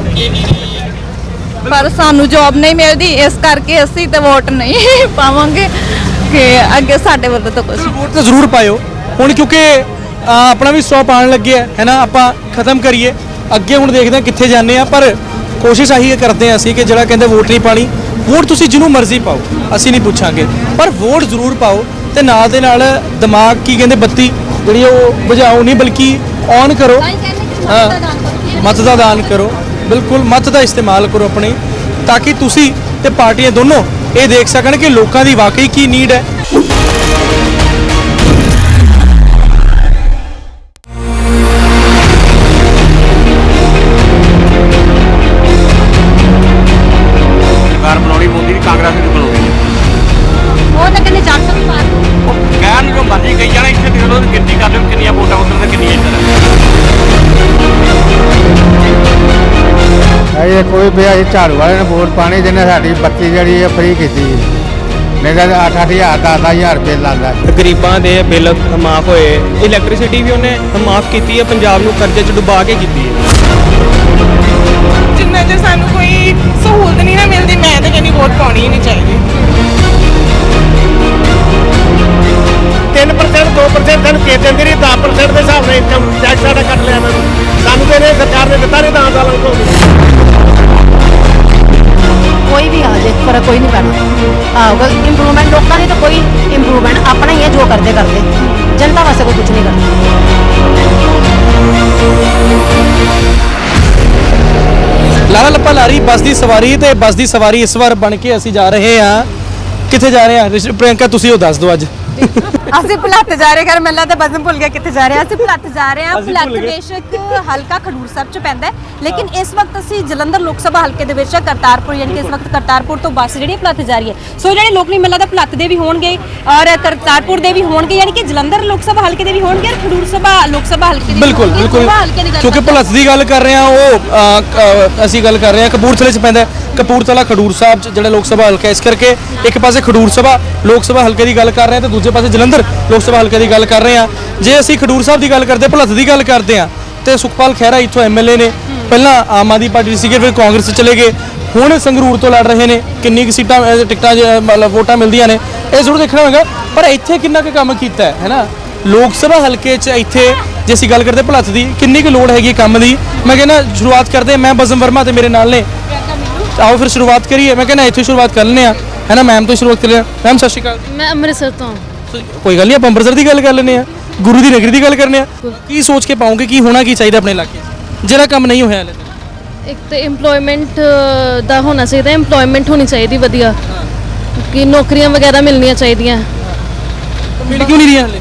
ਪਰ ਸਾਨੂੰ ਜੌਬ ਨਹੀਂ ਮਿਲਦੀ, ਇਸ ਕਰਕੇ ਅਸੀਂ ਤੇ ਵੋਟ ਨਹੀਂ ਪਾਵਾਂਗੇ ਕਿ ਅੱਗੇ ਸਾਡੇ ਵੱਲੋਂ ਤਾਂ ਕੁਝ।
ਵੋਟ ਤਾਂ ਜ਼ਰੂਰ ਪਾਇਓ ਹੁਣ, ਕਿਉਂਕਿ ਆਪਣਾ ਵੀ ਸਟਾਪ ਆਉਣ ਲੱਗਿਆ ਹੈ ਨਾ, ਆਪਾਂ ਖਤਮ ਕਰੀਏ, ਅੱਗੇ ਹੁਣ ਦੇਖਦੇ ਹਾਂ ਕਿੱਥੇ ਜਾਂਦੇ ਆ, ਪਰ ਕੋਸ਼ਿਸ਼ ਆਹੀ ਕਰਦੇ ਹਾਂ ਅਸੀਂ ਕਿ ਜਿਹੜਾ ਕਹਿੰਦੇ ਵੋਟ ਨਹੀਂ ਪਾਣੀ, ਵੋਟ ਤੁਸੀਂ ਜਿਹਨੂੰ ਮਰਜ਼ੀ ਪਾਓ, ਅਸੀਂ ਨਹੀਂ ਪੁੱਛਾਂਗੇ, ਪਰ ਵੋਟ ਜ਼ਰੂਰ ਪਾਓ, ਤੇ ਨਾਲ ਦੇ ਨਾਲ ਦਿਮਾਗ ਕੀ ਕਹਿੰਦੇ ਬੱਤੀ ਜਿਹੜੀ ਉਹ ਬੁਝਾਓ ਨਹੀਂ, ਬਲਕਿ ਔਨ ਕਰੋ। ਹਾਂ, ਮਤ ਦਾ ਦਾਨ ਕਰੋ, ਬਿਲਕੁਲ ਮਤ ਦਾ ਇਸਤੇਮਾਲ ਕਰੋ ਆਪਣੇ, ਤਾਂ ਕਿ ਤੁਸੀਂ ਤੇ ਪਾਰਟੀਆਂ ਦੋਨੋਂ ਇਹ ਦੇਖ ਸਕਣ ਕਿ ਲੋਕਾਂ ਦੀ ਵਾਕਈ ਕੀ ਨੀਡ ਹੈ।
ਸਰਕਾਰ ਬਣਾਉਣੀ ਮੋਦੀ ਦੀ, ਕਾਂਗਰਸ ਦੀ ਬਣਾਉਣੀ
ਉਹ ਤਾਂ ਕਹਿੰਦੇ 400 ਪਾਰ।
ਕਹਿਣ ਨੂੰ ਜੋ ਮਰਜ਼ੀ ਕਹੀ ਜਾਣਾ, ਇੱਥੇ ਦੇਖ ਲਓ ਗਿਣਤੀ ਕਰ ਲਓ ਕਿੰਨੀਆਂ ਵੋਟਾਂ ਉੱਧਰ ਤੇ ਕਿੰਨੀਆਂ ਇੱਧਰ।
ਇਹ ਕੋਈ ਵੀ ਅਸੀਂ ਝਾੜੂ ਵਾਲੇ ਨੇ ਵੋਟ ਪਾਣੀ, ਜਿਹਨੇ ਸਾਡੀ ਬੱਤੀ ਜਿਹੜੀ ਹੈ ਫ੍ਰੀ ਕੀਤੀ, ਨਹੀਂ ਤਾਂ 8-8 ਹਜ਼ਾਰ 10-10 ਰੁਪਏ ਲਾਉਂਦਾ।
ਗਰੀਬਾਂ ਦੇ ਬਿੱਲ ਮਾਫ ਹੋਏ, ਇਲੈਕਟ੍ਰਿਸਿਟੀ ਵੀ ਉਹਨੇ ਮਾਫ ਕੀਤੀ ਹੈ, ਪੰਜਾਬ ਨੂੰ ਕਰਜ਼ੇ 'ਚ ਡੁਬਾ ਕੇ ਕੀਤੀ ਹੈ।
ਜਿੰਨਾ ਜੇ ਸਾਨੂੰ ਕੋਈ ਸਹੂਲਤ ਨਹੀਂ ਨਾ ਮਿਲਦੀ, ਮੈਂ ਤਾਂ ਕਹਿੰਦੀ ਵੋਟ ਪਾਉਣੀ ਹੀ ਨਹੀਂ ਚਾਹੀਦੀ।
3% 2% ਸਾਨੂੰ ਕੇ ਦਿੰਦੇ ਰਹੀ, 10% ਦੇ ਹਿਸਾਬ ਨਾਲ ਇਨਕਮ ਟੈਕਸ ਸਾਡਾ ਕੱਟ ਲਿਆ ਇਹਨਾਂ ਨੇ, ਸਾਨੂੰ ਤੇ ਸਰਕਾਰ ਨੇ ਦਿੱਤਾ ਨਹੀਂ 10 ਸਾਲਾਂ ਤੋਂ।
ਕੋਈ ਵੀ ਆ ਜੇ ਫਰਕ ਕੋਈ ਨਹੀਂ ਪੈਣਾ। ਆਹ ਇੰਪਰੂਵਮੈਂਟ ਲੋਕਾਂ ਦੀ ਤਾਂ ਕੋਈ ਇੰਪਰੂਵਮੈਂਟ ਆਪਣਾ ਹੀ ਹੈ, ਜੋ ਕਰਦੇ ਜਨਤਾ ਵਾਸਤੇ ਕੋਈ ਕੁਝ ਨਹੀਂ ਕਰਦਾ।
ਲਾਲਾ ਲੱਪਾ ਲਾਰੀ ਬੱਸ ਦੀ ਸਵਾਰੀ, ਤੇ ਬੱਸ ਦੀ ਸਵਾਰੀ ਇਸ ਵਾਰ ਬਣ ਕੇ ਅਸੀਂ ਜਾ ਰਹੇ ਹਾਂ, ਕਿੱਥੇ ਜਾ ਰਹੇ ਹਾਂ ਪ੍ਰਿਯੰਕਾ, ਤੁਸੀਂ ਉਹ ਦੱਸ ਦਿਓ ਅੱਜ।
ਅਸੀਂ ਭੁਲੱਥ ਜਾ ਰਹੇ, ਘਰ ਮੈਨੂੰ ਤਾਂ ਬਜ਼ਮ ਭੁੱਲ ਗਿਆ ਕਿੱਥੇ ਜਾ ਰਹੇ ਹਾਂ। ਅਸੀਂ ਭੁਲੱਥ ਜਾ ਰਹੇ ਹਾਂ। ਭੁਲੱਥ ਬੇਸ਼ੱਕ ਹਲਕਾ ਖਡੂਰ ਸਾਹਿਬ ਚ ਪੈਂਦਾ ਹੈ, ਲੇਕਿਨ ਇਸ ਵਕਤ ਅਸੀਂ ਜਲੰਧਰ ਲੋਕ ਸਭਾ ਹਲਕੇ ਦੇ ਵਿੱਚ ਕਰਤਾਰਪੁਰ, ਯਾਨੀ ਕਿ ਇਸ ਵਕਤ ਕਰਤਾਰਪੁਰ ਤੋਂ ਬੱਸ ਜਿਹੜੀ ਭੁਲੱਥ ਜਾ ਰਹੀ ਹੈ। ਸੋ ਜਿਹੜੇ ਲੋਕ ਨਹੀਂ ਮਿਲਦਾ ਭੁਲੱਥ ਦੇ ਵੀ ਹੋਣਗੇ ਔਰ ਕਰਤਾਰਪੁਰ ਦੇ ਵੀ ਹੋਣਗੇ, ਯਾਨੀ ਕਿ ਜਲੰਧਰ ਲੋਕ ਸਭਾ ਹਲਕੇ ਦੇ ਵੀ ਹੋਣਗੇ ਔਰ ਖਡੂਰ ਸਭਾ ਲੋਕ ਸਭਾ ਹਲਕੇ ਦੇ
ਬਿਲਕੁਲ ਬਿਲਕੁਲ, ਕਿਉਂਕਿ ਭੁਲੱਥ ਦੀ ਗੱਲ ਕਰ ਰਹੇ ਹਾਂ, ਉਹ ਅਸੀਂ ਗੱਲ ਕਰ ਰਹੇ ਹਾਂ ਕਪੂਰਥਲੇ 'ਚ ਪੈਂਦਾ, ਕਪੂਰਥਲਾ ਖਡੂਰ ਸਾਹਿਬ 'ਚ ਜਿਹੜਾ ਲੋਕ ਸਭਾ ਹਲਕਾ, ਇਸ ਕਰਕੇ ਇੱਕ ਪਾਸੇ ਖਡੂਰ ਸਭਾ ਲੋਕ ਸਭਾ ਹਲਕੇ ਦੀ ਗੱਲ ਕਰ ਰਹੇ ਹਾਂ ਤੇ ਦੂਜੇ ਪਾਸੇ ਜਲੰਧਰ ਲੋਕ ਸਭਾ ਹਲਕੇ ਦੀ ਗੱਲ ਕਰ ਰਹੇ ਹਾਂ। ਜੇ ਅਸੀਂ ਖਡੂਰ ਸਾਹਿਬ ਦੀ ਗੱਲ ਕਰਦੇ, ਭੁਲੱਥ ਦੀ ਗੱਲ ਕਰਦੇ ਹਾਂ, ਤੇ ਸੁਖਪਾਲ ਖਹਿਰਾ ਇੱਥੋਂ ਐਮਐਲਏ ਨੇ, ਪਹਿਲਾਂ ਆਮ ਆਦਮੀ ਪਾਰਟੀ ਸੀਗੇ, ਫਿਰ ਕਾਂਗਰਸ ਚਲੇ ਗਏ, ਹੁਣ ਸੰਗਰੂਰ ਤੋਂ ਲੜ ਰਹੇ ਨੇ। ਕਿੰਨੀ ਕੁ ਸੀਟਾਂ ਟਿਕਟਾਂ ਮਤਲਬ ਵੋਟਾਂ ਮਿਲਦੀਆਂ ਨੇ, ਇਹ ਜ਼ਰੂਰ ਦੇਖਣਾ ਹੋਵੇਗਾ, ਪਰ ਇੱਥੇ ਕਿੰਨਾ ਕੁ ਕੰਮ ਕੀਤਾ ਹੈ ਨਾ ਲੋਕ ਸਭਾ ਹਲਕੇ 'ਚ। ਇੱਥੇ ਜੇ ਅਸੀਂ ਗੱਲ ਕਰਦੇ ਭੁਲੱਥ ਦੀ, ਕਿੰਨੀ ਕੁ ਲੋੜ ਹੈਗੀ ਕੰਮ ਦੀ, ਮੈਂ ਕਹਿੰਦਾ ਸ਼ੁਰੂਆਤ ਕਰਦੇ। ਮੈਂ ਬਜ਼ਮ ਵਰਮਾ ਤੇ ਮੇਰੇ ਨਾਲ ਨੇ, ਆਓ ਫਿਰ ਸ਼ੁਰੂਆਤ ਕਰੀਏ। ਮੈਂ ਕਹਿੰਦਾ ਇੱਥੇ ਸ਼ੁਰੂਆਤ ਕਰ ਲੈਂਦੇ ਆ, ਹੈ ਨਾ, ਮੈਮ ਤੋਂ ਸ਼ੁਰੂਆਤ ਕਰੀਏ। ਮੈਮ ਸਤਿ ਸ਼੍ਰੀ ਅਕਾਲ।
ਮੈਂ ਅੰਮ੍ਰਿਤਸਰ ਤੋਂ।
ਕੋਈ ਗੱਲ ਨਹੀਂ, ਆਪਾਂ ਅੰਮ੍ਰਿਤਸਰ ਦੀ ਗੱਲ ਕਰ ਲੈਂਦੇ ਆ, ਗੁਰੂ ਦੀ ਨਗਰੀ ਦੀ ਗੱਲ ਕਰਨੇ ਆ। ਕੀ ਸੋਚ ਕੇ ਪਾਉਂਗੇ ਕੀ ਹੋਣਾ ਕੀ ਚਾਹੀਦਾ ਆਪਣੇ ਇਲਾਕੇ 'ਚ, ਜਿਹੜਾ ਕੰਮ ਨਹੀਂ ਹੋਇਆ ਹਲੇ?
ਇੱਕ ਤਾਂ ਏਮਪਲੋਇਮੈਂਟ ਦਾ ਹੋਣਾ ਚਾਹੀਦਾ, ਏਮਪਲੋਇਮੈਂਟ ਹੋਣੀ ਚਾਹੀਦੀ ਵਧੀਆ, ਕਿ ਨੌਕਰੀਆਂ ਵਗੈਰਾ ਮਿਲਣੀਆਂ ਚਾਹੀਦੀਆਂ।
ਮਿਲ ਕਿਉਂ ਨਹੀਂ ਰਹੀਆਂ ਹਲੇ?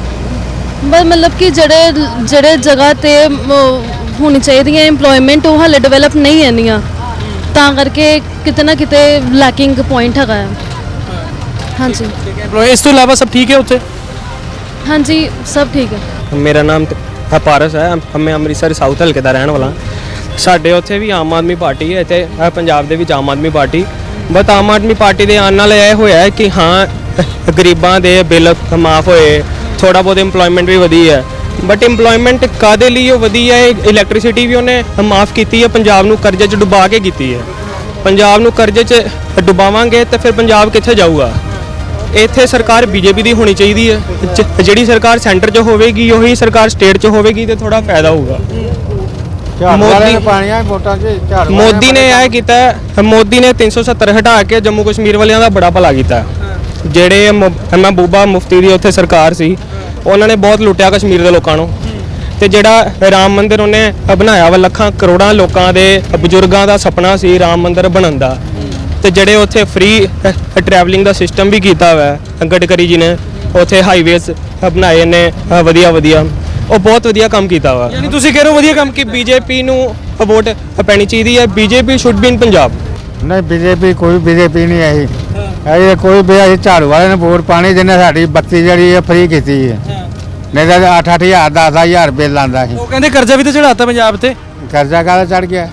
ਬਸ ਮਤਲਬ ਕਿ ਜਿਹੜੇ ਜਗ੍ਹਾ ਤੇ ਹੋਣੀ ਚਾਹੀਦੀਆਂ ਏਮਪਲੋਇਮੈਂਟ, ਉਹ ਹਾਲੇ ਡਿਵੈਲਪ ਨਹੀਂ ਹੁੰਦੀਆਂ, ਤਾਂ ਕਰਕੇ ਕਿਤੇ ਨਾ ਕਿਤੇ ਲੈਕਿੰਗ ਪੁਆਇੰਟ ਹੈਗਾ ਹੈ। ਹਾਂਜੀ,
ਇਸ ਤੋਂ ਇਲਾਵਾ ਸਭ ਠੀਕ ਹੈ ਉੱਥੇ?
ਹਾਂਜੀ ਸਭ ਠੀਕ ਹੈ।
ਮੇਰਾ ਨਾਮ ਪਾਰਸ ਹੈ, ਮੈਂ ਅੰਮ੍ਰਿਤਸਰ ਸਾਊਥ ਹਲਕੇ ਦਾ ਰਹਿਣ ਵਾਲਾ। ਸਾਡੇ ਉੱਥੇ ਵੀ ਆਮ ਆਦਮੀ ਪਾਰਟੀ ਹੈ, ਇੱਥੇ ਪੰਜਾਬ ਦੇ ਵਿੱਚ Aam Aadmi Party. But Aam Aadmi Party ਦੇ ਆਉਣ ਨਾਲ ਇਹ ਹੋਇਆ ਕਿ ਹਾਂ ਗਰੀਬਾਂ ਦੇ ਬਿੱਲ ਮਾਫ ਹੋਏ, ਥੋੜਾ ਬਹੁਤ ਇੰਪਲੋਇਮੈਂਟ ਵੀ ਵਧੀ ਹੈ। ਬਟ ਇੰਪਲੋਇਮੈਂਟ ਕਾਦੇ ਲਈ ਉਹ ਵਧੀ ਹੈ? ਇਲੈਕਟ੍ਰਿਸਿਟੀ ਵੀ ਉਹਨੇ ਮਾਫ ਕੀਤੀ ਹੈ, ਪੰਜਾਬ ਨੂੰ ਕਰਜ਼ੇ 'ਚ ਡੁਬਾ ਕੇ ਕੀਤੀ ਹੈ। ਪੰਜਾਬ ਨੂੰ ਕਰਜ਼ੇ 'ਚ ਡੁਬਾਵਾਂਗੇ ਤੇ ਫਿਰ ਪੰਜਾਬ ਕਿੱਥੇ ਜਾਊਗਾ। ਇੱਥੇ ਸਰਕਾਰ ਬੀਜੇਪੀ ਦੀ ਹੋਣੀ ਚਾਹੀਦੀ ਹੈ। ਜਿਹੜੀ ਸਰਕਾਰ ਸੈਂਟਰ 'ਚ ਹੋਵੇਗੀ ਉਹੀ ਸਰਕਾਰ ਸਟੇਟ 'ਚ ਹੋਵੇਗੀ ਤੇ ਥੋੜਾ ਫਾਇਦਾ ਹੋਊਗਾ। ਮੋਦੀ ਨੇ ਇਹ ਕੀਤਾ, ਮੋਦੀ ਨੇ 370 ਹਟਾ ਕੇ ਜੰਮੂ ਕਸ਼ਮੀਰ ਵਾਲਿਆਂ ਦਾ ਬੜਾ ਭਲਾ ਕੀਤਾ। ਜਿਹੜੇ ਮਹਿਬੂਬਾ ਮੁਫਤੀ ਦੀ ਉੱਥੇ ਸਰਕਾਰ ਸੀ ਉਹਨਾਂ ਨੇ ਬਹੁਤ ਲੁੱਟਿਆ ਕਸ਼ਮੀਰ ਦੇ ਲੋਕਾਂ ਨੂੰ। ਤੇ ਜਿਹੜਾ ਰਾਮ ਮੰਦਿਰ ਉਹਨੇ ਬਣਾਇਆ ਵਾ, ਲੱਖਾਂ ਕਰੋੜਾਂ ਲੋਕਾਂ ਦੇ ਬਜ਼ੁਰਗਾਂ ਦਾ ਸੁਪਨਾ ਸੀ ਰਾਮ ਮੰਦਿਰ ਬਣਨ ਦਾ। ਤੇ ਜਿਹੜੇ ਉੱਥੇ ਫ੍ਰੀ ਟਰੈਵਲਿੰਗ ਦਾ ਸਿਸਟਮ ਵੀ ਕੀਤਾ ਹੋਇਆ ਗਡਕਰੀ ਜੀ ਨੇ, ਉੱਥੇ ਹਾਈਵੇਜ਼ ਬਣਾਏ ਨੇ ਵਧੀਆ, ਉਹ ਬਹੁਤ ਵਧੀਆ ਕੰਮ ਕੀਤਾ ਵਾ।
ਯਾਨੀ ਤੁਸੀਂ ਕਹਿ ਰਹੇ ਹੋ ਵਧੀਆ ਕੰਮ
ਕਿ ਬੀਜੇਪੀ ਨੂੰ ਵੋਟ ਪੈਣੀ ਚਾਹੀਦੀ ਹੈ। BJP should be in Punjab.
ਨਹੀਂ बीजेपी ਕੋਈ बीजेपी ਨਹੀਂ ਆਈ, ਇਹ ਕੋਈ ਵੀ ਅਸੀਂ ਝਾੜੂ ਵਾਲੇ ਨੇ ਵੋਟ ਪਾਣੀ ਜਿਹਨੇ ਸਾਡੀ ਬੱਤੀ ਜਿਹੜੀ ਹੈ ਫ੍ਰੀ ਕੀਤੀ ਹੈ। ਨਹੀਂ ਤਾਂ 8-8 ਹਜ਼ਾਰ 10-10 ਬਿੱਲ ਆਉਂਦਾ ਸੀ।
ਉਹ ਕਹਿੰਦੇ ਕਰਜ਼ਾ ਵੀ ਤਾਂ ਚੜਾਤਾ ਪੰਜਾਬ ਤੇ।
ਕਰਜ਼ਾ ਕਾਹਦਾ ਚੜ ਗਿਆ?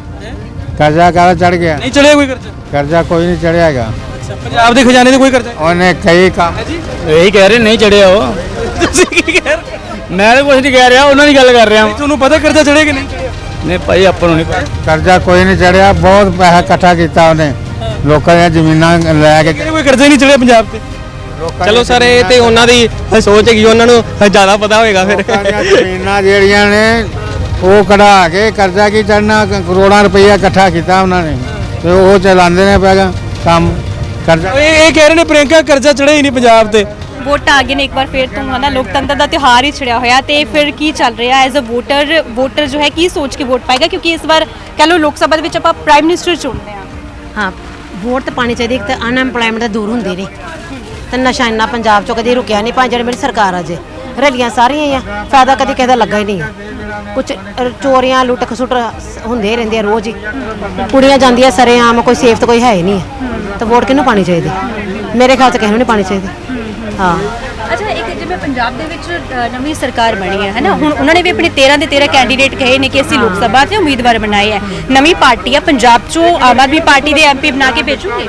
ਕਰਜ਼ਾ ਕਾਹਦਾ ਚੜ ਗਿਆ?
ਨਹੀਂ ਚੜਿਆ ਕੋਈ ਕਰਜ਼ਾ?
ਕਰਜ਼ਾ ਕੋਈ ਨਹੀਂ ਚੜਿਆ ਹੈਗਾ।
ਪੰਜਾਬ ਦੇ ਖਜ਼ਾਨੇ ਤੇ ਕੋਈ ਕਰਜ਼ਾ?
ਉਹਨੇ ਕਈ ਕੰਮ
ਇਹੀ ਕਹਿ ਰਹੇ ਨਹੀਂ ਚੜਿਆ ਉਹ।
ਤੁਸੀਂ ਕੀ ਕਹਿ ਰਹੇ?
ਮੈਂ ਤਾਂ ਕੁਝ ਨਹੀਂ ਕਹਿ ਰਿਹਾ, ਉਹਨਾਂ ਦੀ ਗੱਲ ਕਰ ਰਿਹਾ।
ਤੁਹਾਨੂੰ ਪਤਾ ਕਰਜ਼ਾ ਚੜਿਆ ਕਿ ਨਹੀਂ ਚੜਿਆ?
ਨਹੀਂ ਭਾਈ ਆਪਾਂ ਨੂੰ ਨਹੀਂ ਪਤਾ।
ਕਰਜ਼ਾ ਕੋਈ ਨਹੀਂ ਚੜਿਆ, ਬਹੁਤ ਪੈਸਾ ਇਕੱਠਾ ਕੀਤਾ ਉਹਨੇ, ਲੋਕਾਂ ਦੀਆਂ ਜ਼ਮੀਨਾਂ ਲੈ ਕੇ।
ਕੋਈ ਕਰਜ਼ਾ ਹੀ ਨਹੀਂ ਚੜਿਆ ਪੰਜਾਬ ਤੇ।
ਚਲੋ ਸਰ ਇਹ ਤੇ ਉਹਨਾਂ ਦੀ ਸੋਚ ਹੈਗੀ, ਉਹਨਾਂ ਨੂੰ ਜ਼ਿਆਦਾ ਪਤਾ ਹੋਏਗਾ। ਫਿਰ
ਲੋਕਾਂ ਦੀਆਂ ਜ਼ਮੀਨਾਂ ਜਿਹੜੀਆਂ ਨੇ ਉਹ ਕਢਾ ਕੇ ਕਰਜ਼ਾ ਕੀ ਚੜਨਾ, ਕਰੋੜਾਂ ਰੁਪਈਆ ਇਕੱਠਾ ਕੀਤਾ ਉਹਨਾਂ ਨੇ ਤੇ ਉਹ ਚਲਾਉਂਦੇ ਨੇ ਪੈਗਾ ਕੰਮ ਕਰਜ਼ਾ।
ਇਹ ਕਹਿ ਰਹੇ ਨੇ ਪ੍ਰਿਯੰਕਾ ਕਰਜ਼ਾ ਚੜਿਆ ਹੀ ਨਹੀਂ ਪੰਜਾਬ ਤੇ।
ਵੋਟਾਂ ਆ ਗਏ ਨੇ ਇੱਕ ਵਾਰ ਫਿਰ ਤੋਂ, ਹਨਾ ਲੋਕਤੰਤਰ ਦਾ ਤਿਉਹਾਰ ਹੀ ਛਿੜਿਆ ਹੋਇਆ ਤੇ ਫਿਰ ਕੀ ਚੱਲ ਰਿਹਾ ਐਜ਼ ਅ ਵੋਟਰ ਜੋ ਹੈ ਕੀ ਸੋਚ ਕੇ ਵੋਟ ਪਾਏਗਾ, ਕਿਉਂਕਿ ਇਸ ਵਾਰ ਕਹ ਲਓ ਲੋਕ ਸਭਾ ਦੇ ਵਿੱਚ ਆਪਾਂ ਪ੍ਰਾਈਮ ਮਿਨਿਸਟਰ ਚੁਣਦੇ ਹਾਂ।
ਹਾਂ ਵੋਟ ਤਾਂ ਪਾਣੀ ਚਾਹੀਦੀ। ਇੱਕ ਤਾਂ ਅਨਐਮਪਲੋਇਮੈਂਟ ਦੂਰ ਹੁੰਦੀ ਰਹੀ ਤੇ ਨਸ਼ਾ ਇੰਨਾ ਪੰਜਾਬ ਚੋਂ ਕਦੀ ਰੁਕਿਆ ਨਹੀਂ। ਭਾਵੇਂ ਜਿਹੜੀ ਮੇਰੀ ਸਰਕਾਰ ਆ ਜੇ ਰਲੀਆਂ ਸਾਰੀਆਂ ਹੀ ਆ, ਫਾਇਦਾ ਕਦੀ ਕਿਸੇ ਦਾ ਲੱਗਾ ਹੀ ਨਹੀਂ ਆ। ਕੁਛ ਚੋਰੀਆਂ ਲੁੱਟ ਖਸੁੱਟ ਹੁੰਦੇ ਰਹਿੰਦੇ ਆ ਰੋਜ਼ ਹੀ, ਕੁੜੀਆਂ ਜਾਂਦੀਆਂ ਸਰੇਆਮ, ਕੋਈ ਸੇਫ ਤਾਂ ਕੋਈ ਹੈ ਹੀ ਨਹੀਂ ਹੈ। ਤਾਂ ਵੋਟ ਕਿਹਨੂੰ ਪਾਣੀ ਚਾਹੀਦੀ? ਮੇਰੇ ਖਿਆਲ 'ਚ ਕਿਸੇ ਨੂੰ ਨਹੀਂ ਪਾਣੀ ਚਾਹੀਦੀ। ਹਾਂ
ਅੱਛਾ ਇੱਕ ਜਿਵੇਂ ਪੰਜਾਬ ਦੇ ਵਿੱਚ ਨਵੀਂ ਸਰਕਾਰ ਬਣੀ ਹੈ ਹਨਾ, ਹੁਣ ਉਹਨਾਂ ਨੇ ਵੀ ਆਪਣੇ 13 ਦੇ 13 ਕੈਂਡੀਡੇਟ ਕਹੇ ਨੇ ਕਿ ਅਸੀਂ ਲੋਕ ਸਭਾ 'ਚ ਉਮੀਦਵਾਰ ਬਣਾਏ ਹੈ। ਨਵੀਂ ਪਾਰਟੀ ਆ ਪੰਜਾਬ 'ਚੋਂ ਆਮ ਆਦਮੀ ਪਾਰਟੀ ਦੇ ਐਮਪੀ ਬਣਾ ਕੇ ਭੇਜੂਗੇ।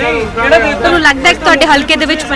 ਤੁਹਾਨੂੰ ਲੱਗਦਾ ਕਿ ਤੁਹਾਡੇ ਹਲਕੇ ਦੇ ਵਿੱਚ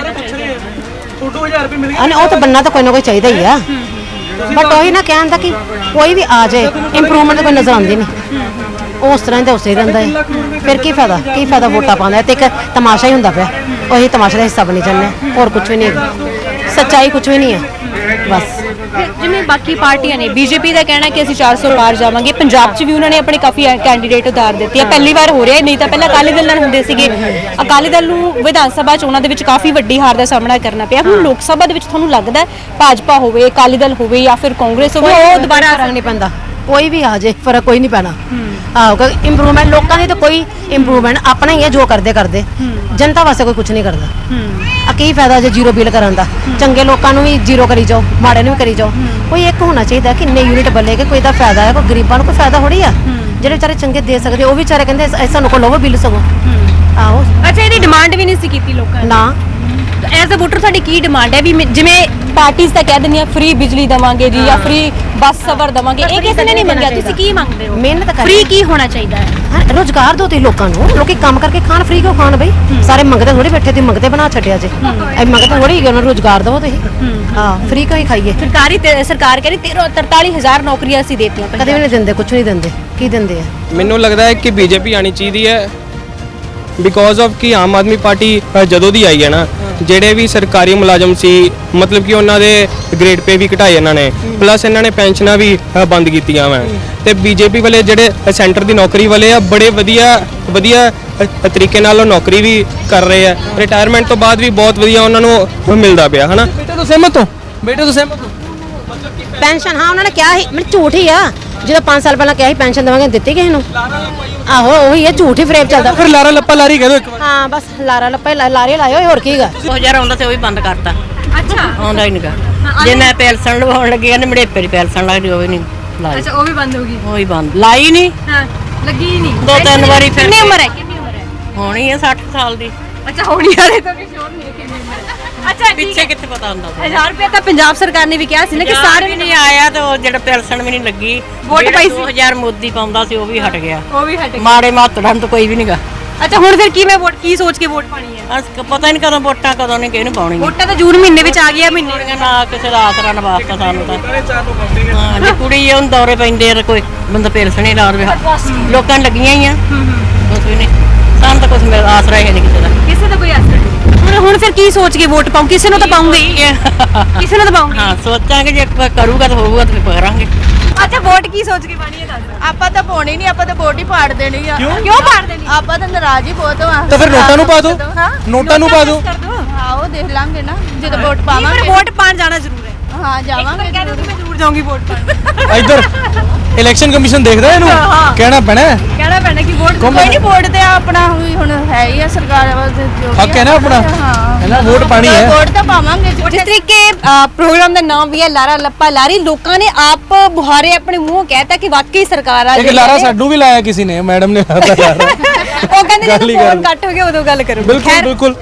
ਉਹ ਤਾਂ ਬੰਨਾ ਤਾਂ ਕੋਈ ਨਾ ਕੋਈ ਚਾਹੀਦਾ ਹੀ ਆ, ਬਟ ਉਹੀ ਨਾ ਕਹਿਣ ਦਾ ਕਿ ਕੋਈ ਵੀ ਆ ਜਾਏ ਇੰਪਰੂਵਮੈਂਟ ਤਾਂ ਕੋਈ ਨਜ਼ਰ ਆਉਂਦੀ ਨਹੀਂ। ਉਸ ਤਰ੍ਹਾਂ ਹੀ ਤਾਂ ਉਸੇ ਰਹਿੰਦਾ ਹੈ। ਫਿਰ ਕੀ ਫਾਇਦਾ ਵੋਟਾਂ ਪਾਉਂਦਾ ਤੇ ਇੱਕ ਤਮਾਸ਼ਾ ਹੀ ਹੁੰਦਾ ਪਿਆ। ਉਹੀ ਤਮਾਸ਼ਾ ਦਾ ਹਿੱਸਾ ਬਣੀ ਜਾਂਦੇ, ਹੋਰ ਕੁਝ ਵੀ ਨਹੀਂ ਹੈਗਾ, ਸੱਚਾਈ ਕੁਝ ਵੀ ਨਹੀਂ ਹੈ ਬਸ।
ਜਿਵੇਂ ਬਾਕੀ ਪਾਰਟੀਆਂ ਨੇ, ਬੀਜੇਪੀ ਦਾ ਕਹਿਣਾ ਕਿ ਅਸੀਂ 400 ਪਾਰ ਜਾਵਾਂਗੇ। ਪੰਜਾਬ 'ਚ ਵੀ ਉਹਨਾਂ ਨੇ ਆਪਣੇ ਕਾਫੀ ਕੈਂਡੀਡੇਟ ਉਤਾਰ ਦਿੱਤੇ ਆ। ਪਹਿਲੀ ਵਾਰ ਹੋ ਰਿਹਾ, ਨਹੀਂ ਤਾਂ ਪਹਿਲਾਂ ਅਕਾਲੀ ਦਲ ਨਾਲ ਹੁੰਦੇ ਸੀਗੇ। ਅਕਾਲੀ ਦਲ ਨੂੰ ਵਿਧਾਨ ਸਭਾ ਚੋਣਾਂ ਦੇ ਵਿੱਚ ਕਾਫੀ ਵੱਡੀ ਹਾਰ ਦਾ ਸਾਹਮਣਾ ਕਰਨਾ ਪਿਆ। ਹੁਣ ਲੋਕ ਸਭਾ ਦੇ ਵਿੱਚ ਤੁਹਾਨੂੰ ਲੱਗਦਾ ਭਾਜਪਾ ਹੋਵੇ, ਅਕਾਲੀ ਦਲ ਹੋਵੇ ਜਾਂ ਫਿਰ ਕਾਂਗਰਸ ਹੋਵੇ, ਉਹ ਦੁਬਾਰਾ
ਫਰਕ ਨਹੀਂ ਪੈਂਦਾ, ਕੋਈ ਵੀ ਆ ਜਾਏ ਫਰਕ ਕੋਈ ਨਹੀਂ ਪੈਣਾ। ਆਹੋ ਕਿਉਂਕਿ ਇੰਪਰੂਵਮੈਂਟ ਲੋਕਾਂ ਦੀ ਤਾਂ ਕੋਈ ਇੰਪਰੂਵਮੈਂਟ ਆਪਣਾ ਹੀ ਹੈ, ਜੋ ਕਰਦੇ ਜਨਤਾ ਵਾਸਤੇ ਕੋਈ ਕੁਝ ਨਹੀਂ ਕਰਦਾ। ਆ ਕੀ ਫਾਇਦਾ ਜੇ ਜ਼ੀਰੋ ਬਿੱਲ ਕਰਨ ਦਾ? ਚੰਗੇ ਲੋਕਾਂ ਨੂੰ ਵੀ ਜ਼ੀਰੋ ਕਰੀ ਜਾਓ, ਮਾੜੇ ਨੂੰ ਵੀ ਕਰੀ ਜਾਓ। ਕੋਈ ਇੱਕ ਹੋਣਾ ਚਾਹੀਦਾ ਕਿ ਇੰਨੇ ਯੂਨਿਟ ਬੱਲੇਗੇ, ਕੋਈ ਦਾ ਫਾਇਦਾ ਹੈ, ਕੋਈ ਗਰੀਬਾਂ ਨੂੰ ਕੋਈ ਫਾਇਦਾ ਥੋੜੀ ਆ। ਜਿਹੜੇ ਵਿਚਾਰੇ ਚੰਗੇ ਦੇ ਸਕਦੇ ਉਹ ਵੀ ਵਿਚਾਰੇ ਕਹਿੰਦੇ ਸਾਨੂੰ ਕੋਲ ਲਵੋ ਬਿੱਲ ਸਗੋਂ। ਆਹੋ
ਅੱਛਾ ਇਹਦੀ ਡਿਮਾਂਡ ਵੀ ਨਹੀਂ ਸੀ ਕੀਤੀ ਲੋਕਾਂ ਨੇ
ਨਾ।
ਐਜ਼ ਅ ਵੋਟਰ ਤੁਹਾਡੀ ਕੀ ਡਿਮਾਂਡ ਹੈ? ਵੀ ਜਿਵੇਂ ਪਾਰਟੀਆਂ ਤਾਂ ਕਹਿ ਦਿੰਦੀਆਂ ਫ੍ਰੀ ਬਿਜਲੀ ਦਵਾਂਗੇ ਜੀ ਜਾਂ ਫ੍ਰੀ ਬੱਸ ਸਫ਼ਰ ਦਵਾਂਗੇ, ਇਹ ਕਿਸੇ ਨੇ ਨਹੀਂ ਮੰਗਿਆ। ਤੁਸੀਂ ਕੀ ਮੰਗਦੇ ਹੋ?
ਮਿਹਨਤ ਕਰ,
ਫ੍ਰੀ ਕੀ ਹੋਣਾ ਚਾਹੀਦਾ ਹੈ?
ਰੋਜ਼ਗਾਰ ਦਿਓ ਤੁਸੀਂ ਲੋਕਾਂ ਨੂੰ। ਲੋਕੀ ਕੰਮ ਕਰਕੇ ਖਾਣ, ਫ੍ਰੀ ਕਿਉਂ ਖਾਣ ਬਈ? ਸਾਰੇ ਮੰਗਦੇ ਥੋੜੀ ਬੈਠੇ, ਤੁਸੀਂ ਮੰਗਦੇ ਬਣਾ ਛੱਡਿਆ ਜੇ। ਇਹ ਮੰਗਦੇ ਥੋੜੀ ਹੈਗੇ, ਉਹਨਾਂ ਨੂੰ ਰੋਜ਼ਗਾਰ ਦਿਓ ਤੁਸੀਂ। ਹਾਂ ਫ੍ਰੀ ਕਿਉਂ ਹੀ ਖਾਈਏ?
ਸਰਕਾਰ ਕਹਿੰਦੀ 43,000 ਨੌਕਰੀਆਂ ਅਸੀਂ ਦੇਤੀਆਂ।
ਕਦੇ ਵੀ ਨਹੀਂ ਦਿੰਦੇ, ਕੁਝ ਨਹੀਂ ਦਿੰਦੇ। ਕੀ ਦਿੰਦੇ ਆ?
ਮੈਨੂੰ ਲੱਗਦਾ ਹੈ ਕਿ ਬੀਜੇਪੀ ਆਣੀ ਚਾਹੀਦੀ ਹੈ ਬਿਕੋਜ਼ ਆਫ ਕਿ ਆਮ ਆਦਮੀ ਪਾਰਟੀ ਜਦੋਂ ਦੀ ਆਈ ਹੈ ਨਾ, ਜਿਹੜੇ ਵੀ ਸਰਕਾਰੀ ਮੁਲਾਜ਼ਮ ਸੀ ਮਤਲਬ ਕਿ ਉਹਨਾਂ ਦੇ ਗ੍ਰੇਡ ਪੇ ਵੀ ਘਟਾਏ ਇਹਨਾਂ ਨੇ, ਪਲੱਸ ਇਹਨਾਂ ਨੇ ਪੈਨਸ਼ਨਾਂ ਵੀ ਬੰਦ ਕੀਤੀਆਂ ਵਾ। ਤੇ ਬੀਜੇਪੀ ਵਾਲੇ ਜਿਹੜੇ ਸੈਂਟਰ ਦੀ ਨੌਕਰੀ ਵਾਲੇ ਆ, ਬੜੇ ਵਧੀਆ ਤਰੀਕੇ ਨਾਲ ਉਹ ਨੌਕਰੀ ਵੀ ਕਰ ਰਹੇ ਆ। ਰਿਟਾਇਰਮੈਂਟ ਤੋਂ ਬਾਅਦ ਵੀ ਬਹੁਤ ਵਧੀਆ ਉਹਨਾਂ ਨੂੰ ਮਿਲਦਾ ਪਿਆ ਹਨਾ।
ਬੇਟੇ ਤੋਂ ਸਹਿਮਤ ਹੋ?
ਪੈਨਸ਼ਨ ਹਾਂ ਉਹਨਾਂ ਨੇ ਕਿਹਾ ਸੀ, ਮੈਨੂੰ ਝੂਠ ਹੀ ਆ। ਜਦੋਂ 5 ਸਾਲ ਪਹਿਲਾਂ ਕਿਹਾ ਸੀ ਪੈਨਸ਼ਨ ਦੇਵਾਂਗੇ, ਦਿੱਤੀ ਕਿਸੇ ਨੂੰ? ਆਹੋ ਉਹੀ ਹੈ, ਝੂਠ ਹੀ ਫਰੇਬ ਚੱਲਦਾ।
ਫਿਰ ਲਾਰਾ ਲੱਪਾ ਲਾਰੀ ਕਹਿ ਦੋ ਇੱਕ ਵਾਰ।
ਹਾਂ ਬਸ ਲਾਰਾ ਲੱਪਾ ਲਾਰੇ ਲਾਇਓ, ਹੋਰ ਕੀ ਗਾ।
2000 ਆਉਂਦਾ ਤੇ ਉਹ ਵੀ ਬੰਦ ਕਰਤਾ।
ਅੱਛਾ
ਆਉਂਦਾ ਹੀ ਨਹੀਂਗਾ। ਜੇ ਮੈਂ ਪੈਨਸ਼ਨ ਲਵਾਉਣ ਲੱਗੀ ਕਹਿੰਦੇ ਮੜੇਪੇ ਦੀ ਪੈਨਸ਼ਨ ਲੱਗਦੀ, ਉਹ ਵੀ ਨਹੀਂ ਲਾਈ।
ਅੱਛਾ ਉਹ ਵੀ ਬੰਦ ਹੋ ਗਈ?
ਉਹ ਵੀ ਬੰਦ, ਲਾਈ ਨਹੀਂ।
ਹਾਂ ਲੱਗੀ ਹੀ ਨਹੀਂ।
2-3 ਵਾਰੀ ਫਿਰ।
ਕਿੰਨੀ ਉਮਰ ਹੈ?
ਹੋਣੀ ਹੈ 60 ਸਾਲ ਦੀ।
ਅੱਛਾ ਹੋਣੀ ਵਾਲੇ ਤਾਂ ਵੀ ਸ਼ੋਰ ਨਹੀਂ ਕਿੰਨੀ ਉਮਰ। ਅੱਛਾ
ਪਿੱਛੇ ਕਿੱਥੇ ਪਤਾ ਹੁੰਦਾ?
1000 ਰੁਪਏ ਤਾਂ ਪੰਜਾਬ ਸਰਕਾਰ ਨੇ ਵੀ ਕਿਹਾ ਸੀ ਨਾ ਕਿ ਸਾਰੇ
ਵੀ ਨਹੀਂ ਆਇਆ ਤੇ ਉਹ ਜਿਹੜਾ ਪੈਨਸ਼ਨ ਵੀ ਨਹੀਂ ਲੱਗੀ।
ਵੋਟ ਪਾਈ ਸੀ
2000 ਮੋਦੀ ਪਾਉਂਦਾ ਸੀ, ਉਹ ਵੀ ਹਟ ਗਿਆ।
ਉਹ ਵੀ ਹਟ ਗਿਆ।
ਮਾੜੇ ਮਾਤੜਾਂ ਤਾਂ ਕੋਈ ਵੀ ਨਹੀਂਗਾ।
ਅੱਛਾ ਹੁਣ ਫਿਰ ਕੀ ਕੀ ਸੋਚ ਕੇ ਵੋਟ ਪਾਣੀ ਹੈ?
ਪਤਾ ਨਹੀਂ ਕਦੋਂ ਵੋਟਾਂ, ਕਦੋਂ ਨਹੀਂ ਕਿਹਨੂੰ ਪਾਉਣੀ।
ਵੋਟਾਂ ਤਾਂ ਜੂਨ ਮਹੀਨੇ ਵਿੱਚ ਆ ਗਈਆਂ। ਮਹੀਨੇ
ਨਾ ਕਿਸੇ ਦਾ ਆਸਰਾ ਨਾ ਵਾਸਤਾ ਸਾਨੂੰ ਤਾਂ। ਹਾਂ ਜੇ ਕੁੜੀ ਉਹ ਦੌਰੇ ਪੈਂਦੇ ਆ, ਕੋਈ ਬੰਦਾ ਪੈਨਸ਼ਨ ਨਹੀਂ ਲਾ ਰਿਹਾ। ਲੋਕਾਂ ਨੂੰ ਲੱਗੀਆਂ ਹੀ ਆ, ਕੁਝ ਵੀ ਨਹੀਂ। ਸਾਨੂੰ ਤਾਂ ਕੁਝ ਮੇਰਾ ਆਸਰਾ ਹੀ ਨਹੀਂ ਕਿਸੇ ਦਾ।
ਕਿਸੇ ਦਾ ਕੋਈ ਆਸਰਾ ਨਹੀਂ। ਹੁਣ ਫਿਰ ਕੀ ਸੋਚ ਕੇ ਵੋਟ ਪਾਉਂ? ਕਿਸੇ ਨੂੰ ਤਾਂ ਪਾਉਂਗੇ ਹੀ, ਕਿਸੇ ਨੂੰ ਤਾਂ ਪਾਉਂਗੇ।
ਹਾਂ ਸੋਚਾਂਗੇ ਜੇ ਕੋਈ ਕਰੂਗਾ ਤਾਂ ਹੋਊਗਾ ਤਾਂ ਫਿਰ ਕਰਾਂਗੇ।
ਅੱਛਾ ਵੋਟ ਕੀ ਸੋਚ ਕੇ ਪਾਣੀ ਹੈ ਦੱਸ?
ਆਪਾਂ ਤਾਂ ਪਾਉਣੀ ਨਹੀਂ, ਆਪਾਂ ਤਾਂ ਵੋਟ ਹੀ ਪਾੜ ਦੇਣੀ ਆ।
ਕਿਉਂ ਪਾੜ ਦੇਣੀ?
ਆਪਾਂ ਤਾਂ ਨਾਰਾਜ਼ ਹੀ ਬਹੁਤ ਆ।
ਤਾਂ ਫਿਰ ਨੋਟਾਂ ਨੂੰ ਪਾ ਦਿਓ, ਨੋਟਾਂ ਨੂੰ ਪਾ ਦਿਓ।
ਆਓ ਦੇਖ ਲਾਂਗੇ ਨਾ ਜਦੋਂ ਵੋਟ
ਪਰ
ਪਾਵਾਂਗੇ।
ਵੋਟ ਪਾਣ ਜਾਣਾ ਜ਼ਰੂਰ ਹੈ।
ਹਾਂ ਜਾਵਾਂਗੇ
ਮੈਂ ਜ਼ਰੂਰ ਜਾਊਂਗੀ ਵੋਟ ਪਾਣ।
ਇੱਧਰ ਇਲੈਕਸ਼ਨ ਕਮਿਸ਼ਨ ਦੇਖਦਾ ਇਹਨੂੰ, ਕਹਿਣਾ ਪੈਣਾ ਹੈ।
ਕਹਿਣਾ ਪੈਣਾ ਕਿ ਵੋਟ
ਕੋਈ ਨਹੀਂ, ਵੋਟ ਤੇ ਆਪਣਾ ਵੀ ਹੁਣ ਹੈ ਹੀ ਆ ਸਰਕਾਰ ਵਾਸਤੇ ਜੋ ਵੀ
ਹੱਕ ਹੈ ਨਾ ਆਪਣਾ, ਹੈ ਨਾ, ਵੋਟ ਪਾਣੀ ਹੈ।
ਵੋਟ ਤਾਂ ਪਾਵਾਂਗੇ।
ਜਿਸ ਤਰੀਕੇ ਪ੍ਰੋਗਰਾਮ ਦਾ ਨਾਮ ਵੀ ਹੈ ਲਾਰਾ ਲੱਪਾ ਲਾਰੀ, ਲੋਕਾਂ ਨੇ ਆਪ ਬੁਹਾਰੇ ਆਪਣੇ ਮੂੰਹ ਕਹਿਤਾ ਕਿ ਵਾਕਈ ਸਰਕਾਰ ਆ
ਇੱਕ ਲਾਰਾ ਸਾਡੂ ਵੀ ਲਾਇਆ ਕਿਸੇ ਨੇ, ਮੈਡਮ ਨੇ ਲਾਤਾ ਲਾਰਾ।
ਉਹ ਕਹਿੰਦੇ ਜਦੋਂ ਫੋਨ ਕੱਟ ਹੋ ਗਿਆ ਉਦੋਂ ਗੱਲ ਕਰੋ।
ਬਿਲਕੁਲ ਬਿਲਕੁਲ।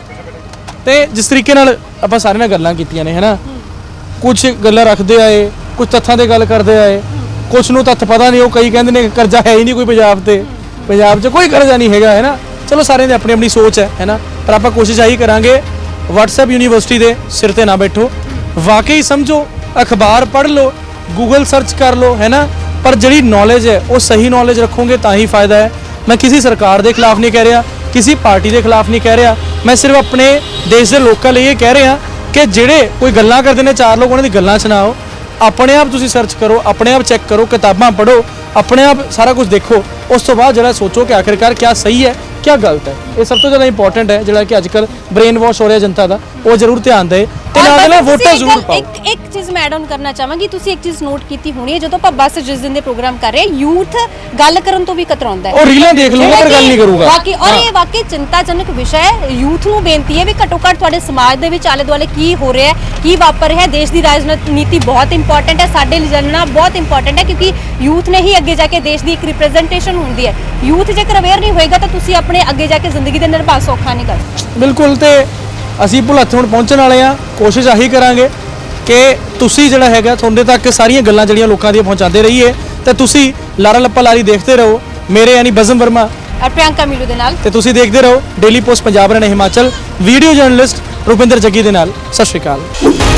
ਤੇ ਜਿਸ ਤਰੀਕੇ ਨਾਲ ਆਪਾਂ ਸਾਰੇ ਨਾਲ ਗੱਲਾਂ ਕੀਤੀਆਂ ਨੇ, ਹੈਨਾ, ਕੁਝ ਗੱਲਾਂ ਰੱਖਦੇ ਆਏ, ਕੁਝ ਤੱਥਾਂ ਦੇ ਗੱਲ ਕਰਦੇ ਆਏ, ਕੁਝ ਨੂੰ ਤੱਥ ਪਤਾ ਨਹੀਂ। ਉਹ ਕਈ ਕਹਿੰਦੇ ਨੇ ਕਰਜ਼ਾ ਹੈ ਹੀ ਨਹੀਂ ਕੋਈ ਪੰਜਾਬ ਤੇ, ਪੰਜਾਬ 'ਚ ਕੋਈ ਕਰਜ਼ਾ ਨਹੀਂ ਹੈਗਾ, ਹੈ ਨਾ। ਚਲੋ ਸਾਰਿਆਂ ਦੀ ਆਪਣੀ ਆਪਣੀ ਸੋਚ ਹੈ ਨਾ, ਪਰ ਆਪਾਂ ਕੋਸ਼ਿਸ਼ ਆਹੀ ਕਰਾਂਗੇ WhatsApp ਯੂਨੀਵਰਸਿਟੀ ਦੇ ਸਿਰ ਤੇ ਨਾ ਬੈਠੋ, ਵਾਕਈ ਸਮਝੋ, ਅਖਬਾਰ ਪੜ੍ਹ ਲਓ, ਗੂਗਲ ਸਰਚ ਕਰ ਲਓ, ਹੈ ਨਾ, ਪਰ ਜਿਹੜੀ ਨੌਲੇਜ ਹੈ ਉਹ ਸਹੀ ਨੌਲੇਜ ਰੱਖੋਗੇ ਤਾਂ ਹੀ ਫਾਇਦਾ ਹੈ। ਮੈਂ ਕਿਸੇ ਸਰਕਾਰ ਦੇ ਖਿਲਾਫ ਨਹੀਂ ਕਹਿ ਰਿਹਾ, ਕਿਸੇ ਪਾਰਟੀ ਦੇ ਖਿਲਾਫ ਨਹੀਂ ਕਹਿ ਰਿਹਾ, ਮੈਂ ਸਿਰਫ ਆਪਣੇ ਦੇਸ਼ ਦੇ ਲੋਕਾਂ ਲਈ ਇਹ ਕਹਿ ਰਿਹਾ ਕਿ ਜਿਹੜੇ ਕੋਈ ਗੱਲਾਂ ਕਰਦੇ ਨੇ, ਚਾਰ ਲੋਕ ਉਹਨਾਂ ਦੀ ਗੱਲਾਂ ਸੁਣਾਓ, ਆਪਣੇ ਆਪ ਤੁਸੀਂ ਸਰਚ ਕਰੋ, ਆਪਣੇ ਆਪ ਚੈੱਕ ਕਰੋ, ਕਿਤਾਬਾਂ ਪੜ੍ਹੋ, ਆਪਣੇ ਆਪ ਸਾਰਾ ਕੁਝ ਦੇਖੋ, ਉਸ ਤੋਂ ਬਾਅਦ ਜਿਹੜਾ ਸੋਚੋ ਕਿ ਆਖਿਰਕਾਰ ਕੀ ਸਹੀ ਹੈ ਕੀ ਗਲਤ ਹੈ। ਇਹ ਸਭ ਤੋਂ ਜ਼ਿਆਦਾ ਇੰਪੋਰਟੈਂਟ ਹੈ, ਜਿਹੜਾ ਕਿ ਅੱਜਕੱਲ ਬ੍ਰੇਨ ਵਾਸ਼ ਹੋ ਰਿਹਾ ਜਨਤਾ ਦਾ, ਉਹ ਜ਼ਰੂਰ ਧਿਆਨ ਦੇ ਤੇ ਨਾਲ ਵੋਟਾਂ ਜ਼ਰੂਰ ਪਾਓ।
ਇੱਕ ਚੀਜ਼ ਮੈਂ ਐਡ ਆਨ ਕਰਨਾ ਚਾਹਾਂਗੀ, ਤੁਸੀਂ ਇੱਕ ਚੀਜ਼ ਨੋਟ ਕੀਤੀ ਹੋਣੀ ਹੈ, ਜਦੋਂ ਆਪਾਂ ਬੱਸ ਜਿਸ ਦਿਨ ਦੇ ਪ੍ਰੋਗਰਾਮ ਕਰ ਰਹੇ, ਯੂਥ ਗੱਲ ਕਰਨ ਤੋਂ ਵੀ ਕਤਰਾਉਂਦਾ ਹੈ।
ਉਹ ਰੀਲਾਂ ਦੇਖ ਲੂਗਾ ਪਰ ਗੱਲ ਨਹੀਂ ਕਰੂਗਾ।
ਬਾਕੀ ਔਰ ਇਹ ਵਾਕਈ ਚਿੰਤਾਜਨਕ ਵਿਸ਼ਾ ਹੈ। ਯੂਥ ਨੂੰ ਬੇਨਤੀ ਹੈ ਵੀ ਘੱਟੋ ਘੱਟ ਤੁਹਾਡੇ ਸਮਾਜ ਦੇ ਵਿੱਚ ਆਲੇ ਦੁਆਲੇ ਕੀ ਹੋ ਰਿਹਾ ਹੈ, ਕੀ ਵਾਪਰ ਰਿਹਾ ਹੈ। ਦੇਸ਼ ਦੀ ਰਾਜਨੀਤੀ ਬਹੁਤ ਇੰਪੋਰਟੈਂਟ ਹੈ, ਸਾਡੇ ਲਈ ਜਾਣਨਾ ਬਹੁਤ ਇੰਪੋਰਟੈਂਟ ਹੈ, ਕਿਉਂਕਿ ਯੂਥ ਨੇ ਹੀ ਅੱਗੇ ਜਾ ਕੇ ਦੇਸ਼ ਦੀ ਇੱਕ ਰਿਪਰੈਜ਼ੈਂਟੇਸ਼ਨ ਹੁੰਦੀ ਹੈ। ਯੂਥ ਜੇਕਰ ਅਵੇਅਰ ਨਹੀਂ ਹੋਏਗਾ ਤਾਂ ਤੁਸੀਂ ਆਪਣੇ ਅੱਗੇ ਜਾ ਕੇ ਜ਼ਿੰਦਗੀ ਦੇ ਨਿਰਵਾਹ ਸੌਖਾ ਨਹੀਂ ਕਰ ਸਕਦੇ।
ਬਿਲਕੁਲ। ਤੇ ਅਸੀਂ ਭੁਲੱਥ ਹੁਣ ਪਹੁੰਚਣ ਵਾਲੇ ਆ, ਕੋਸ਼ਿਸ਼ ਆਹੀ ਕਰਾਂਗੇ ਕਿ ਤੁਸੀਂ ਜਿਹੜਾ ਹੈਗਾ ਤੁਹਾਡੇ ਤੱਕ ਸਾਰੀਆਂ ਗੱਲਾਂ ਜਿਹੜੀਆਂ ਲੋਕਾਂ ਦੀਆਂ ਪਹੁੰਚਾਉਂਦੇ ਰਹੀਏ, ਤੇ ਤੁਸੀਂ ਲਾਰਾ ਲੱਪਾ ਲਾਰੀ ਦੇਖਦੇ ਰਹੋ, ਮੇਰੇ ਯਾਨੀ ਬਜ਼ਮ ਵਰਮਾ
ਔਰ ਪ੍ਰਿਯੰਕਾ ਮੀਲੂ ਦੇ ਨਾਲ,
ਤੇ ਤੁਸੀਂ ਦੇਖਦੇ ਰਹੋ Daily Post Punjab Haryana Himachal, video journalist Rupinder Jaggi ਦੇ ਨਾਲ। ਸਤਿ ਸ਼੍ਰੀ ਅਕਾਲ।